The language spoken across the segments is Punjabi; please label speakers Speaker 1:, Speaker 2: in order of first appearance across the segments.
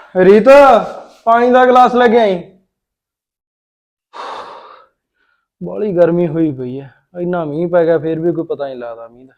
Speaker 1: ਰੀਤ ਪਾਣੀ ਦਾ ਗਲਾਸ ਲੈ ਕੇ ਆਈ। ਬਾਹਲੀ ਗਰਮੀ ਹੋਈ ਪਈ ਐ। ਇੰਨਾ ਮੀਂਹ ਪੈ ਗਿਆ ਫੇਰ ਵੀ ਕੋਈ ਪਤਾ ਨਹੀਂ ਲੱਗਦਾ ਮੀਂਹ ਦਾ।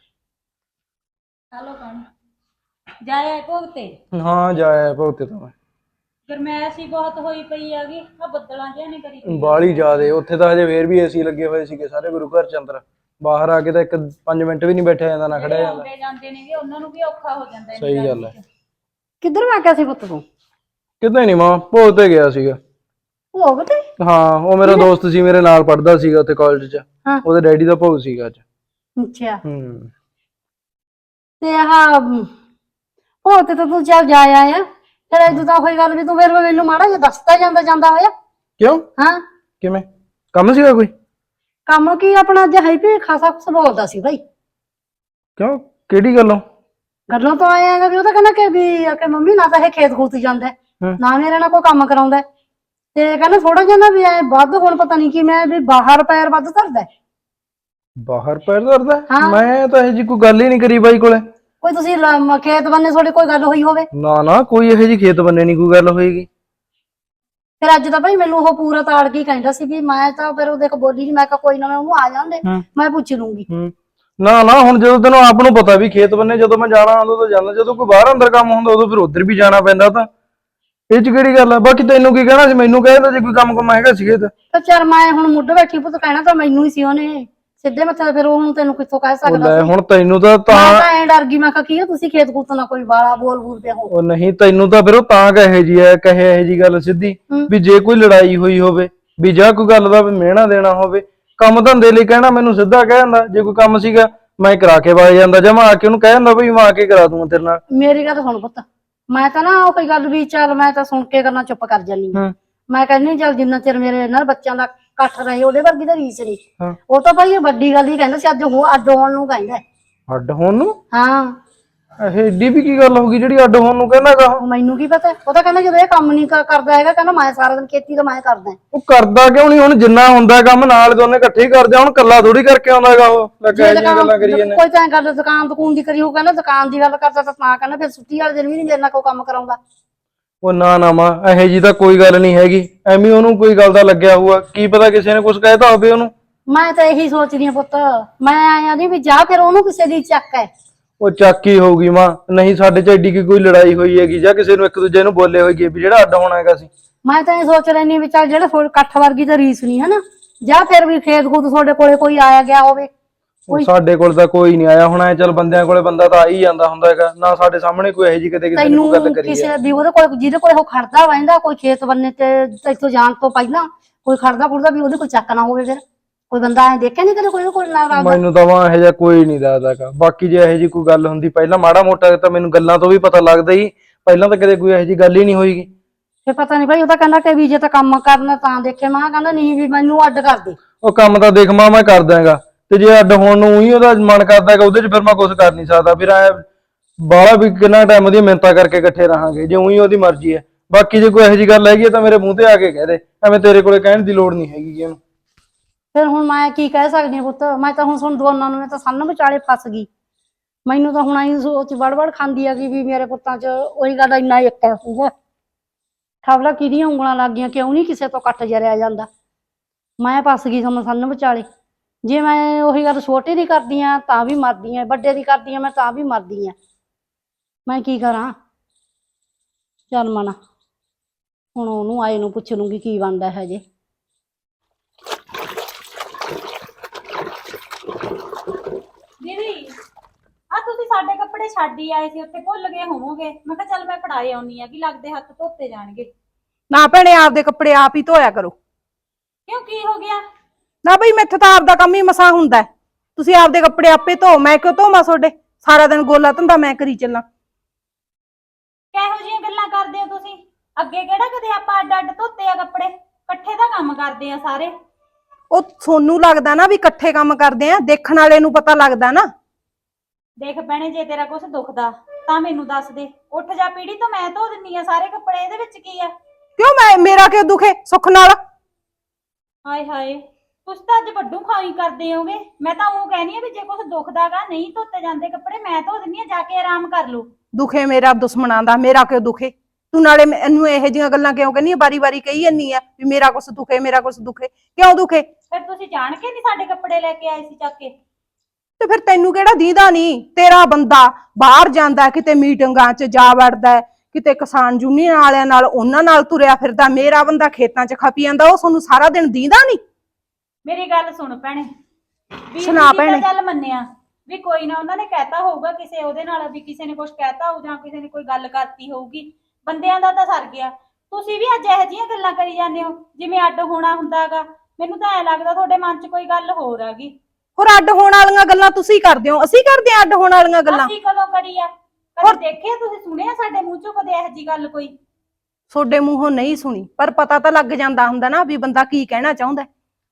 Speaker 2: हेलो पानी जाया है भोगते
Speaker 1: ਹਾਂ ਜਾਇਆ ਭਗਤੇ ਤਾਂ ਮੈਂ
Speaker 2: गरमैश ही बहुत होई पई हैगी आ बदलां जिहा ने करी पई
Speaker 1: ਬਾਹਲੀ ਜ਼ਿਆਦੇ। ਉੱਥੇ ਤਾਂ ਹਜੇ ਫੇਰ ਵੀ ਏਸੀ ਲੱਗੇ ਹੋਏ ਸੀਗੇ ਸਾਰੇ ਗੁਰੂ ਘਰ ਚ ਅੰਦਰ। ਬਾਹਰ ਆ ਕੇ ਤਾਂ 5 ਮਿੰਟ ਵੀ ਨਹੀਂ ਬੈਠਿਆ ਜਾਂਦਾ ਨਾ ਖੜਿਆ ਜਾਂਦਾ।
Speaker 2: ਆਉਂਦੇ ਜਾਂਦੇ ਨੇਗੇ ਉਹਨਾਂ ਨੂੰ ਵੀ ਔਖਾ ਹੋ ਜਾਂਦਾ ਹੈ।
Speaker 1: ਸਹੀ ਗੱਲ ਹੈ।
Speaker 3: ਕਿੱਧਰ ਮੈਂ ਕਿਹਾ ਸੀ ਪੁੱਤ ਤੂੰ?
Speaker 1: ਕਿਤੇ ਨਹੀਂ ਮਾਂ, ਭੋਗ ਤੇ ਗਿਆ ਸੀਗਾ।
Speaker 3: ਭੋਗ ਤੇ?
Speaker 1: ਹਾਂ, ਉਹ ਮੇਰਾ ਦੋਸਤ ਸੀ, ਮੇਰੇ ਨਾਲ ਪੜਦਾ ਸੀਗਾ ਉੱਥੇ ਕਾਲਜ ਚ।
Speaker 3: ਹਾਂ।
Speaker 1: ਉਹਦੇ ਡੈਡੀ ਦਾ ਭੋਗ ਸੀਗਾ ਅੱਜ।
Speaker 3: ਅੱਛਾ।
Speaker 1: ਹੂੰ।
Speaker 3: ਤੇ ਆਹ ਭੋਗ ਤੇ ਤਾਂ ਤੂੰ ਚੱਲ ਜਾ ਆਇਆ, ਫਿਰ ਇਦੋਂ ਤਾਂ ਹੋਈ ਗੱਲ ਵੀ ਤੂੰ ਫਿਰ ਮੈਨੂੰ ਮਾੜਾ ਜਿਹਾ ਦੱਸਦਾ ਜਾਂਦਾ ਜਾਂਦਾ ਹੋਇਆ।
Speaker 1: ਕਿਉਂ?
Speaker 3: ਹਾਂ।
Speaker 1: ਕਿਵੇਂ ਕੰਮ ਸੀਗਾ ਕੋਈ?
Speaker 3: ਕੰਮ ਕੀ ਆਪਣਾ ਅੱਜ ਹੈਪੀ ਖਾਸਾ ਕੁਛ ਬੋਲਦਾ ਸੀ ਭਾਈ।
Speaker 1: ਕਿਉਂ, ਕਿਹੜੀ ਗੱਲੋਂ?
Speaker 3: ਗੱਲੋਂ ਤਾਂ ਆਏ ਆਂਗਾ ਵੀ ਉਹ ਤਾਂ ਕਹਿੰਦਾ ਕਿ ਵੀ ਕਿ ਮੰਮੀ ਨਾ ਤਾਂ ਇਹ ਖੇਤ ਖੂਤ ਜਾਂਦਾ ਨਾ ਮੇਰੇ ਨਾਲ ਕੋਈ ਕੰਮ ਕਰਾਉਂਦਾ, ਤੇ ਕਹਿੰਦਾ ਥੋੜਾ ਜਿਹਾ ਨਾ ਵੀ ਐ ਵੱਧ ਹੁਣ ਪਤਾ ਨਹੀਂ ਕੀ ਮੈਂ ਵੀ ਬਾਹਰ ਪੈਰ ਵੱਧ ਧਰਦਾ।
Speaker 1: ਬਾਹਰ ਪੈਰ ਧਰਦਾ?
Speaker 3: ਹਾਂ।
Speaker 1: ਮੈਂ ਤਾਂ ਇਹ ਜੀ ਕੋਈ ਗੱਲ ਹੀ ਨਹੀਂ ਕਰੀ ਬਾਈ ਕੋਲੇ।
Speaker 3: ਕੋਈ ਤੁਸੀਂ ਖੇਤ ਬੰਨੇ ਤੁਹਾਡੀ ਕੋਈ ਗੱਲ ਹੋਈ ਹੋਵੇ?
Speaker 1: ਨਾ ਨਾ, ਕੋਈ ਇਹੋ ਜੀ ਖੇਤ ਬੰਨੇ ਨਹੀਂ ਕੋਈ ਗੱਲ ਹੋਏਗੀ।
Speaker 3: ਫਿਰ ਅੱਜ ਤਾਂ ਭਾਈ ਮੈਨੂੰ ਉਹ ਪੂਰਾ ਤਾੜ ਕੇ ਕਹਿੰਦਾ ਸੀ ਵੀ ਮੈਂ ਤਾਂ ਫਿਰ ਉਹਦੇ ਕੋ ਬੋਲੀ ਨਹੀਂ, ਮੈਂ ਕਿਹਾ ਕੋਈ ਨਾ ਮੈਂ ਉਹਨੂੰ ਆ ਜਾਂਦੇ ਮੈਂ ਪੁੱਛ ਲੂੰਗੀ।
Speaker 1: ਨਾ ਨਾ, ਹੁਣ ਜਦੋਂ ਤੈਨੂੰ ਆਪ ਨੂੰ ਪਤਾ ਵੀ ਖੇਤ ਬੰਨੇ ਜਦੋਂ ਮੈਂ ਜਾਣਾ ਉਦੋਂ ਤਾਂ ਜਾਂਦਾ, ਜਦੋਂ ਕੋਈ ਬਾਹਰ ਅੰਦਰ ਕੰਮ ਹੁੰਦਾ ਉਦੋਂ ਫਿਰ ਉੱਧਰ ਵੀ ਜਾਣਾ ਪੈਂਦਾ। ਤਾਂ ਇਹ ਚ ਕਿਹੜੀ ਗੱਲ ਆ? ਬਾਕੀ ਤੈਨੂੰ ਕੀ ਕਹਿਣਾ ਸੀ? ਮੈਨੂੰ ਕਹਿ ਦਿੰਦਾ ਜੇ ਕੋਈ ਕੰਮ ਕੁਮ ਹੈਗਾ ਸੀ ਖੇਤ।
Speaker 3: ਤਾਂ ਚੱਲ ਮੈਂ ਹੁਣ ਮੁੱਢ ਬੈਠੀ ਪੁੱਤ ਕਹਿਣਾ ਤਾਂ ਮੈਨੂੰ ਹੀ ਸੀ ਉਹਨੇ ਸਿੱਧੇ ਮੱਥੇ। ਫਿਰ ਉਹ ਹੁਣ ਤੈਨੂੰ ਕਿੱਥੋਂ ਕਹਿ ਸਕਦਾ
Speaker 1: ਲੈ
Speaker 3: ਸੀ?
Speaker 1: ਹੁਣ ਤੈਨੂੰ ਤਾਂ
Speaker 3: ਮੈਂ ਤਾਂ ਐਂ ਡਰ ਗਈ, ਮੈਂ ਕਿਹਾ ਕੀ ਆ ਤੁਸੀਂ ਖੇਤ ਖੂਤ ਨਾ ਕੋਈ ਬਾਲਾ ਬੋਲ ਬੋਲ ਪਿਆ ਹੋ।
Speaker 1: ਉਹ ਨਹੀਂ, ਤੈਨੂੰ ਤਾਂ ਫਿਰ ਉਹ ਤਾਂ ਕਹੇ ਜੀ ਐ, ਕਹੇ ਇਹੋ ਜੀ ਗੱਲ ਸਿੱਧੀ ਵੀ ਜੇ ਕੋਈ ਲੜਾਈ ਹੋਈ ਹੋਵੇ ਵੀ ਜਾਂ ਕੋਈ ਗੱਲ ਦਾ ਮਿਹਣਾ ਦੇਣਾ ਹੋਵੇ, ਕੰਮ ਧੰਦੇ ਲਈ ਕਹਿਣਾ ਮੈਨੂੰ ਸਿੱਧਾ ਕਹਿ ਦਿੰਦਾ। ਜੇ ਕੋਈ ਕੰਮ ਸੀਗਾ ਮੈਂ ਕਰਾ ਕੇ ਵਗ ਜਾਂਦਾ, ਜਾਂ ਮੈਂ ਆ ਕੇ ਉਹਨੂੰ ਕਹਿ ਦਿੰਦਾ ਵੀ ਮੈਂ ਆ ਕੇ ਕਰਾ ਦੂੰਗਾ ਤੇਰੇ ਨਾਲ।
Speaker 3: ਮੇਰੀ ਗੱਲ ਸੁਣ ਪੁੱਤ, ਮੈਂ ਤਾਂ ਨਾ ਉਹ ਕੋਈ ਗੱਲ ਵੀ ਚੱਲ ਮੈਂ ਤਾਂ ਸੁਣ ਕੇ ਗੱਲਾਂ ਚੁੱਪ ਕਰ ਜਾਨੀ ਆ। ਮੈਂ ਕਹਿੰਦੀ ਚੱਲ ਜਿੰਨਾ ਚਿਰ ਮੇਰੇ ਨਾਲ ਬੱਚਿਆਂ ਦਾ ਇਕੱਠ ਰਹੇ ਉਹਦੇ ਵਰਗੀ ਤਾਂ ਰੀਸ ਨਹੀਂ। ਉਹ ਤਾਂ ਭਾਈ ਇਹ ਵੱਡੀ ਗੱਲ ਹੀ ਕਹਿੰਦਾ ਸੀ, ਅੱਜ ਅੱਡ ਹੋਣ ਨੂੰ ਕਹਿੰਦਾ।
Speaker 1: ਅੱਡ ਹੋਣ ਨੂੰ?
Speaker 3: ਹਾਂ।
Speaker 1: ਇਹ ਏਡੀ ਵੀ ਕੀ ਗੱਲ ਹੋ ਗਈ ਜਿਹੜੀ ਅੱਡ ਹੋਣ ਨੂੰ ਕਹਿੰਦਾਗਾ?
Speaker 3: ਮੈਨੂੰ ਕੀ ਪਤਾ, ਉਹ ਤਾਂ ਕਹਿੰਦਾ ਜਦੋਂ ਇਹ ਕੰਮ ਨਹੀਂ ਕਰਦਾ ਹੈਗਾ, ਕਹਿੰਦਾ ਮੈਂ ਸਾਰਾ ਦਿਨ ਖੇਤੀ ਤਾਂ ਮੈਂ ਕਰਦਾ।
Speaker 1: ਉਹ ਕਰਦਾ ਕਿਉਂ ਨਹੀਂ? ਹੁਣ ਜਿੰਨਾ ਹੁੰਦਾ ਕੰਮ ਨਾਲ ਦੋਨੇ ਇਕੱਠੇ ਹੀ ਕਰਦੇ ਆ। ਹੁਣ ਕੱਲਾ ਥੋੜੀ ਕਰਕੇ ਆਉਂਦਾਗਾ ਉਹ। ਲੱਗਾ ਜੀ ਗੱਲਾਂ ਕਰੀ ਜਾਂਦੇ।
Speaker 3: ਕੋਈ ਤਾਂ ਗੱਲ ਦੁਕਾਨ ਦਕੂਨ ਦੀ ਕਰੀ, ਉਹ ਕਹਿੰਦਾ ਦੁਕਾਨ ਦੀ ਗੱਲ ਕਰਦਾ ਤਾਂ ਕਹਿੰਦਾ ਫਿਰ ਛੁੱਟੀ ਵਾਲੇ ਦਿਨ ਵੀ ਨਹੀਂ ਮੇਰੇ ਨਾਲ ਕੋਈ ਕੰਮ ਕਰਾਉਂਦਾ।
Speaker 1: ਉਹ ਨਾ ਨਾ ਮਾਂ, ਇਹੋ ਜੀ ਤਾਂ ਕੋਈ ਗੱਲ ਨਹੀਂ ਹੈਗੀ। ਐਵੇਂ ਉਹਨੂੰ ਕੋਈ ਗੱਲ ਦਾ ਲੱਗਿਆ ਹੋਊਗਾ, ਕੀ ਪਤਾ ਕਿਸੇ ਨੇ ਕੁਝ ਕਹਿਤਾ ਹੋਵੇ ਉਹਨੂੰ।
Speaker 3: ਮੈਂ ਤਾਂ ਇਹੀ ਸੋਚਦੀ ਆ ਪੁੱਤ, ਮੈਂ ਆਇਆ ਨਹੀਂ ਵੀ ਜਾ ਫਿਰ ਉਹਨੂੰ ਕਿਸੇ ਦੀ ਚੱਕ ਹੈ।
Speaker 1: ਉਹ ਚੱਕੀ ਹੋਊਗੀ ਮਾਂ, ਨਹੀਂ ਸਾਡੇ ਚ ਐਡੀ ਕੀ ਕੋਈ ਲੜਾਈ ਹੋਈ ਹੈਗੀ ਜਾਂ ਕਿਸੇ ਨੂੰ ਇੱਕ ਦੂਜੇ ਨੂੰ ਬੋਲੇ ਹੋਈਏ ਵੀ ਜਿਹੜਾ ਅੱਡ ਹੋਣਾ ਹੈਗਾ ਸੀ।
Speaker 3: ਮੈਂ ਤਾਂ ਇਹ ਸੋਚ ਲੈਣੀ ਵੀ ਚੱਲ ਜਿਹੜਾ ਇਕੱਠ ਵਰਗੀ ਤਾਂ ਰੀਸ ਨਹੀਂ ਹਨਾ, ਜਾਂ ਫਿਰ ਵੀ ਖੇਤ ਖੂਤ ਤੁਹਾਡੇ ਕੋਲੇ ਕੋਈ ਆਇਆ ਗਿਆ ਹੋਵੇ।
Speaker 1: ਸਾਡੇ ਕੋਲ ਤਾਂ ਕੋਈ ਨਹੀਂ ਆਇਆ ਹੁਣ। ਐ ਚੱਲ ਬੰਦਿਆਂ ਕੋਲੇ ਬੰਦਾ ਤਾਂ ਆ ਹੀ ਜਾਂਦਾ ਹੁੰਦਾ ਹੈਗਾ ਨਾ। ਸਾਡੇ ਸਾਹਮਣੇ ਕੋਈ ਇਹੋ ਜੀ ਕਿਤੇ ਕਿਸੇ ਨੇ ਕੋਈ ਗੱਲ ਕਰੀ
Speaker 3: ਕਿਸੇ ਵੀ ਉਹਦੇ ਕੋਲ ਜਿਹਦੇ ਕੋਲ ਉਹ ਖੜਦਾ ਵਹਿੰਦਾ ਕੋਈ ਖੇਤ ਬੰਨੇ ਤੇ ਇੱਥੋਂ ਜਾਣ ਤੋਂ ਪਹਿਲਾਂ ਕੋਈ ਖੜਦਾ ਖੁੜਦਾ ਵੀ ਉਹਦੇ ਕੋਲ ਚੱਕ ਨਾ ਹੋਵੇ। ਫਿਰ ਕੋਈ ਬੰਦਾ ਐ ਦੇਖਿਆ ਨਹੀਂ ਕਦੇ ਕੋਈ ਨਾ ਰਾਦਾ?
Speaker 1: ਮੈਨੂੰ ਤਾਂ ਵਾ ਇਹੋ ਜਿਹਾ ਕੋਈ ਨਹੀਂ ਦੱਸਦਾਗਾ। ਬਾਕੀ ਜੇ ਇਹੋ ਜੀ ਕੋਈ ਗੱਲ ਹੁੰਦੀ ਪਹਿਲਾਂ ਮਾੜਾ ਮੋਟਾ ਤਾਂ ਮੈਨੂੰ ਗੱਲਾਂ ਤੋਂ ਵੀ ਪਤਾ ਲੱਗਦਾ ਹੀ। ਪਹਿਲਾਂ ਤਾਂ ਕਦੇ ਕੋਈ ਇਹੋ ਜੀ ਗੱਲ ਹੀ ਨਹੀਂ ਹੋਈਗੀ।
Speaker 3: ਫਿਰ ਪਤਾ ਨਹੀਂ ਭਾਈ, ਉਹ ਤਾਂ ਕਹਿੰਦਾ ਕਿ ਵੀ ਜੇ ਤਾਂ ਕੰਮ ਕਰਨਾ ਤਾਂ ਦੇਖੇ। ਮੈਂ ਕਹਿੰਦਾ ਨਹੀਂ ਵੀ ਮੈਨੂੰ ਅੱਡ ਕਰ ਦੇ।
Speaker 1: ਉਹ ਕੰਮ ਤਾਂ ਦੇਖ ਮਾਂ ਮੈਂ ਕਰ ਦਾਂਗਾ, ਤੇ ਜੇ ਅੱਡ ਹੋਣ ਨੂੰ ਹੀ ਉਹਦਾ ਮਨ ਕਰਦਾ ਹੈਗਾ ਉਹਦੇ ਚ ਫਿਰ ਮੈਂ ਕੁਝ ਕਰ ਨਹੀਂ ਸਕਦਾ। ਫਿਰ ਐ ਬਾਹਲਾ ਵੀ ਕਿੰਨਾ ਟਾਈਮ ਉਹਦੀ ਮਿਹਨਤਾਂ ਕਰਕੇ ਇਕੱਠੇ ਰਹਾਂਗੇ ਜੇ ਉਹੀ ਉਹਦੀ ਮਰਜ਼ੀ ਹੈ। ਬਾਕੀ ਜੇ ਕੋਈ ਇਹੋ ਜੀ ਗੱਲ ਹੈਗੀ ਤਾਂ ਮੇਰੇ ਮੂੰਹ ਤੇ ਆ ਕੇ ਕਹਿ ਦੇ, ਐਵੇਂ ਤੇਰੇ ਕੋਲੇ ਕਹਿਣ ਦੀ ਲੋੜ ਨਹੀਂ ਹੈਗੀ ਉਹਨੂੰ।
Speaker 3: ਫਿਰ ਹੁਣ ਮੈਂ ਕੀ ਕਹਿ ਸਕਦੀ ਹਾਂ ਪੁੱਤ? ਮੈਂ ਤਾਂ ਹੁਣ ਦੋਨਾਂ ਨੂੰ, ਮੈਂ ਤਾਂ ਸੰਨ ਵਿਚਾਲੇ ਫਸ ਗਈ। ਮੈਨੂੰ ਤਾਂ ਹੁਣ ਆਈ ਸੋਚ ਵੜ ਖਾਂਦੀ ਆ ਵੀ ਮੇਰੇ ਪੁੱਤਾਂ 'ਚ ਉਹੀ ਗੱਲ ਇੰਨਾ ਇੱਕ ਹੈ ਸੀਗਾ। ਖਬਰਾਂ ਕਿਹਦੀਆਂ ਉਂਗਲਾਂ ਲੱਗ ਗਈਆਂ, ਕਿਉਂ ਨਹੀਂ ਕਿਸੇ ਤੋਂ ਕੱਟ ਜਰਿਆ ਜਾਂਦਾ। ਮੈਂ ਫਸ ਗਈ ਸਮਾਂ ਸੰਨ ਵਿਚਾਲੇ। ਜੇ ਮੈਂ ਉਹੀ ਗੱਲ ਛੋਟੇ ਦੀ ਕਰਦੀ ਆ ਤਾਂ ਵੀ ਮਰਦੀ ਆ, ਵੱਡੇ ਦੀ ਕਰਦੀ ਆ ਮੈਂ ਤਾਂ ਵੀ ਮਰਦੀ ਆ। ਮੈਂ ਕੀ ਕਰਾਂ? ਚੱਲ ਮਨਾ, ਹੁਣ ਉਹਨੂੰ ਆਏ ਨੂੰ ਪੁੱਛ ਲੂੰਗੀ ਕੀ ਬਣਦਾ ਹੈ ਜੇ।
Speaker 2: ਦੀਦੀ ਆ ਤੁਸੀਂ ਸਾਡੇ ਕੱਪੜੇ ਛੱਡ ਹੀ ਆਏ ਸੀ, ਉੱਥੇ ਭੁੱਲ ਗਏ ਹੋਵੋਗੇ। ਮੈਂ ਕਿਹਾ ਚੱਲ ਮੈਂ ਫੜਾਏ ਆਉਣੀ ਆ ਕਿ ਲੱਗਦੇ ਹੱਥ ਧੋਤੇ ਜਾਣਗੇ।
Speaker 4: ਨਾ ਭੈਣੇ, ਆਪਦੇ ਕੱਪੜੇ ਆਪ ਹੀ ਧੋਇਆ ਕਰੋ।
Speaker 2: ਕਿਉਂ, ਕੀ ਹੋ ਗਿਆ?
Speaker 4: ਨਾ ਬਈ ਮੈਥੋਂ ਤਾਂ ਆਪਦਾ ਕੰਮ ਹੀ ਮਸਾਂ ਹੁੰਦਾ। ਤੁਸੀਂ ਆਪਦੇ ਕੱਪੜੇ ਆਪੇ ਧੋ, ਮੈਂ ਕਿਉਂ ਧੋਵਾਂ ਤੁਹਾਡੇ? ਸਾਰਾ ਦਿਨ ਗੋਲਾ ਧੰਦਾ ਮੈਂ ਕਰੀ ਚੱਲਾਂ।
Speaker 2: ਕਿਹੋ ਜਿਹੀਆਂ ਗੱਲਾਂ ਕਰਦੇ ਹੋ ਤੁਸੀਂ? ਅੱਗੇ ਕਿਹੜਾ ਕਦੇ ਆਪਾਂ ਅੱਡ ਅੱਡ ਧੋਤੇ ਆ ਕੱਪੜੇ? ਇਕੱਠੇ ਦਾ ਕੰਮ ਕਰਦੇ ਆ ਸਾਰੇ।
Speaker 4: ਉਹ ਤੁਹਾਨੂੰ ਲੱਗਦਾ ਨਾ ਵੀ ਇਕੱਠੇ ਕੰਮ ਕਰਦੇ ਆ, ਦੇਖਣ ਵਾਲੇ ਨੂੰ ਪਤਾ ਲੱਗਦਾ ਨਾ।
Speaker 2: ਦੇਖ ਭੈਣੇ, ਜੇ ਤੇਰਾ ਕੁਝ ਦੁਖਦਾ ਤਾਂ ਮੈਨੂੰ ਦੱਸ ਦੇ। ਉੱਠ ਜਾ ਪੀੜੀ ਤੋਂ, ਮੈਂ ਧੋ ਦਿੰਨੀ ਆ ਸਾਰੇ ਕੱਪੜੇ। ਇਹਦੇ ਵਿੱਚ ਕੀ ਆ?
Speaker 4: ਕਿਉਂ ਮੇਰਾ ਕਿਉਂ ਦੁਖੇ? ਸੁੱਖ ਨਾਲ।
Speaker 2: ਹਾਏ ਹਾਏ, ਤੁਸੀਂ ਤਾਂ ਅੱਜ ਵੱਡੂ ਖਾਈ ਕਰਦੇ ਹੋਗੇ। ਮੈਂ ਤਾਂ ਉਹ ਕਹਿਨੀ ਆ ਵੀ ਜੇ ਕੁਝ ਦੁਖਦਾਗਾ ਨਹੀਂ ਧੋਤੇ ਜਾਂਦੇ ਕੱਪੜੇ, ਮੈਂ ਧੋ ਦਿੰਨੀ ਆ, ਜਾ ਕੇ ਆਰਾਮ ਕਰ ਲਓ।
Speaker 4: ਦੁਖੇ ਮੇਰਾ ਦੁਸ਼ਮਣਾਂ ਦਾ, ਮੇਰਾ ਕਿਉਂ ਦੁਖੇ? ਤੂੰ ਨਾਲੇ ਮੈਨੂੰ ਇਹੋ ਜਿਹੀਆਂ ਗੱਲਾਂ ਕਿਉਂ ਕਹਿੰਦੀ ਆ, ਵਾਰੀ-ਵਾਰੀ ਕਹੀ ਜਾਂਦੀ ਆ ਵੀ ਮੇਰਾ ਕੁਛ ਦੁਖੇ, ਮੇਰਾ ਕੁਛ ਦੁਖੇ। ਕਿਉਂ ਦੁਖੇ?
Speaker 2: ਫਿਰ ਤੁਸੀਂ ਜਾਣ ਕੇ ਨਹੀਂ ਸਾਡੇ ਕੱਪੜੇ ਲੈ ਕੇ ਆਏ ਸੀ ਚੱਕ ਕੇ?
Speaker 4: ਤੇ ਫਿਰ ਤੈਨੂੰ ਕਿਹੜਾ ਦੀਦਾ ਨਹੀਂ? ਤੇਰਾ ਬੰਦਾ ਬਾਹਰ ਜਾਂਦਾ, ਕਿਤੇ ਮੀਟਿੰਗਾਂ 'ਚ ਜਾ ਵੜਦਾ ਹੈ, ਕਿਤੇ ਕਿਸਾਨ ਯੂਨੀਅਨ ਵਾਲਿਆਂ ਨਾਲ ਉਹਨਾਂ ਨਾਲ ਤੁਰਿਆ ਫਿਰਦਾ, ਮੇਰਾ ਬੰਦਾ ਖੇਤਾਂ 'ਚ ਖਪੀ ਜਾਂਦਾ, ਉਹ ਤੁਹਾਨੂੰ ਸਾਰਾ ਦਿਨ ਦੀਦਾ ਨਹੀਂ?
Speaker 2: ਮੇਰੀ ਗੱਲ ਸੁਣ ਭੈਣੇ, ਵੀ
Speaker 4: ਸੁਣਾ ਭੈਣੇ।
Speaker 2: ਚੱਲ ਮੰਨਿਆ ਵੀ ਕੋਈ ਨਾ ਉਹਨਾਂ ਨੇ ਕਹਿਤਾ ਹੋਊਗਾ ਕਿਸੇ ਉਹਦੇ ਨਾਲ, ਵੀ ਕਿਸੇ ਨੇ ਕੁਝ ਕਹਿਤਾ ਹੋਊ ਜਾਂ ਕਿਸੇ ਨੇ ਕੋਈ ਗੱਲ ਕਰਤੀ ਹੋਊਗੀ, ਬੰਦਿਆਂ ਦਾ ਤਾਂ ਸਰ ਗਿਆ। ਤੁਸੀਂ ਵੀ ਅੱਜ ਇਹੋ ਜਿਹੀਆਂ ਗੱਲਾਂ ਕਰੀ ਜਾਂਦੇ ਹੋ ਜਿਵੇਂ ਅੱਡ ਹੋਣਾ ਹੁੰਦਾਗਾ। ਮੈਨੂੰ ਤਾਂ ਐ ਲੱਗਦਾ ਤੁਹਾਡੇ ਮਨ 'ਚ ਕੋਈ ਗੱਲ ਹੋਰ ਹੈਗੀ।
Speaker 4: ਹੋਰ ਅੱਡ ਹੋਣ ਵਾਲੀਆਂ ਗੱਲਾਂ ਤੁਸੀਂ ਕਰਦੇ ਹੋ, ਅਸੀਂ ਕਰਦੇ ਆ ਅੱਡ ਹੋਣ ਵਾਲੀਆਂ ਗੱਲਾਂ?
Speaker 2: ਅਸੀਂ ਕਦੋਂ ਕਰੀ ਆ? ਕਦੇ ਦੇਖਿਆ ਤੁਸੀਂ, ਸੁਣਿਆ ਸਾਡੇ ਮੂੰਹ 'ਚੋਂ ਕਦੇ ਇਹੋ ਜਿਹੀ ਗੱਲ ਕੋਈ?
Speaker 4: ਤੁਹਾਡੇ ਮੂੰਹੋਂ ਨਹੀਂ ਸੁਣੀ, ਪਰ ਪਤਾ ਤਾਂ ਲੱਗ ਜਾਂਦਾ ਹੁੰਦਾ ਨਾ ਵੀ ਬੰਦਾ ਕੀ ਕਹਿਣਾ ਚਾਹੁੰਦਾ।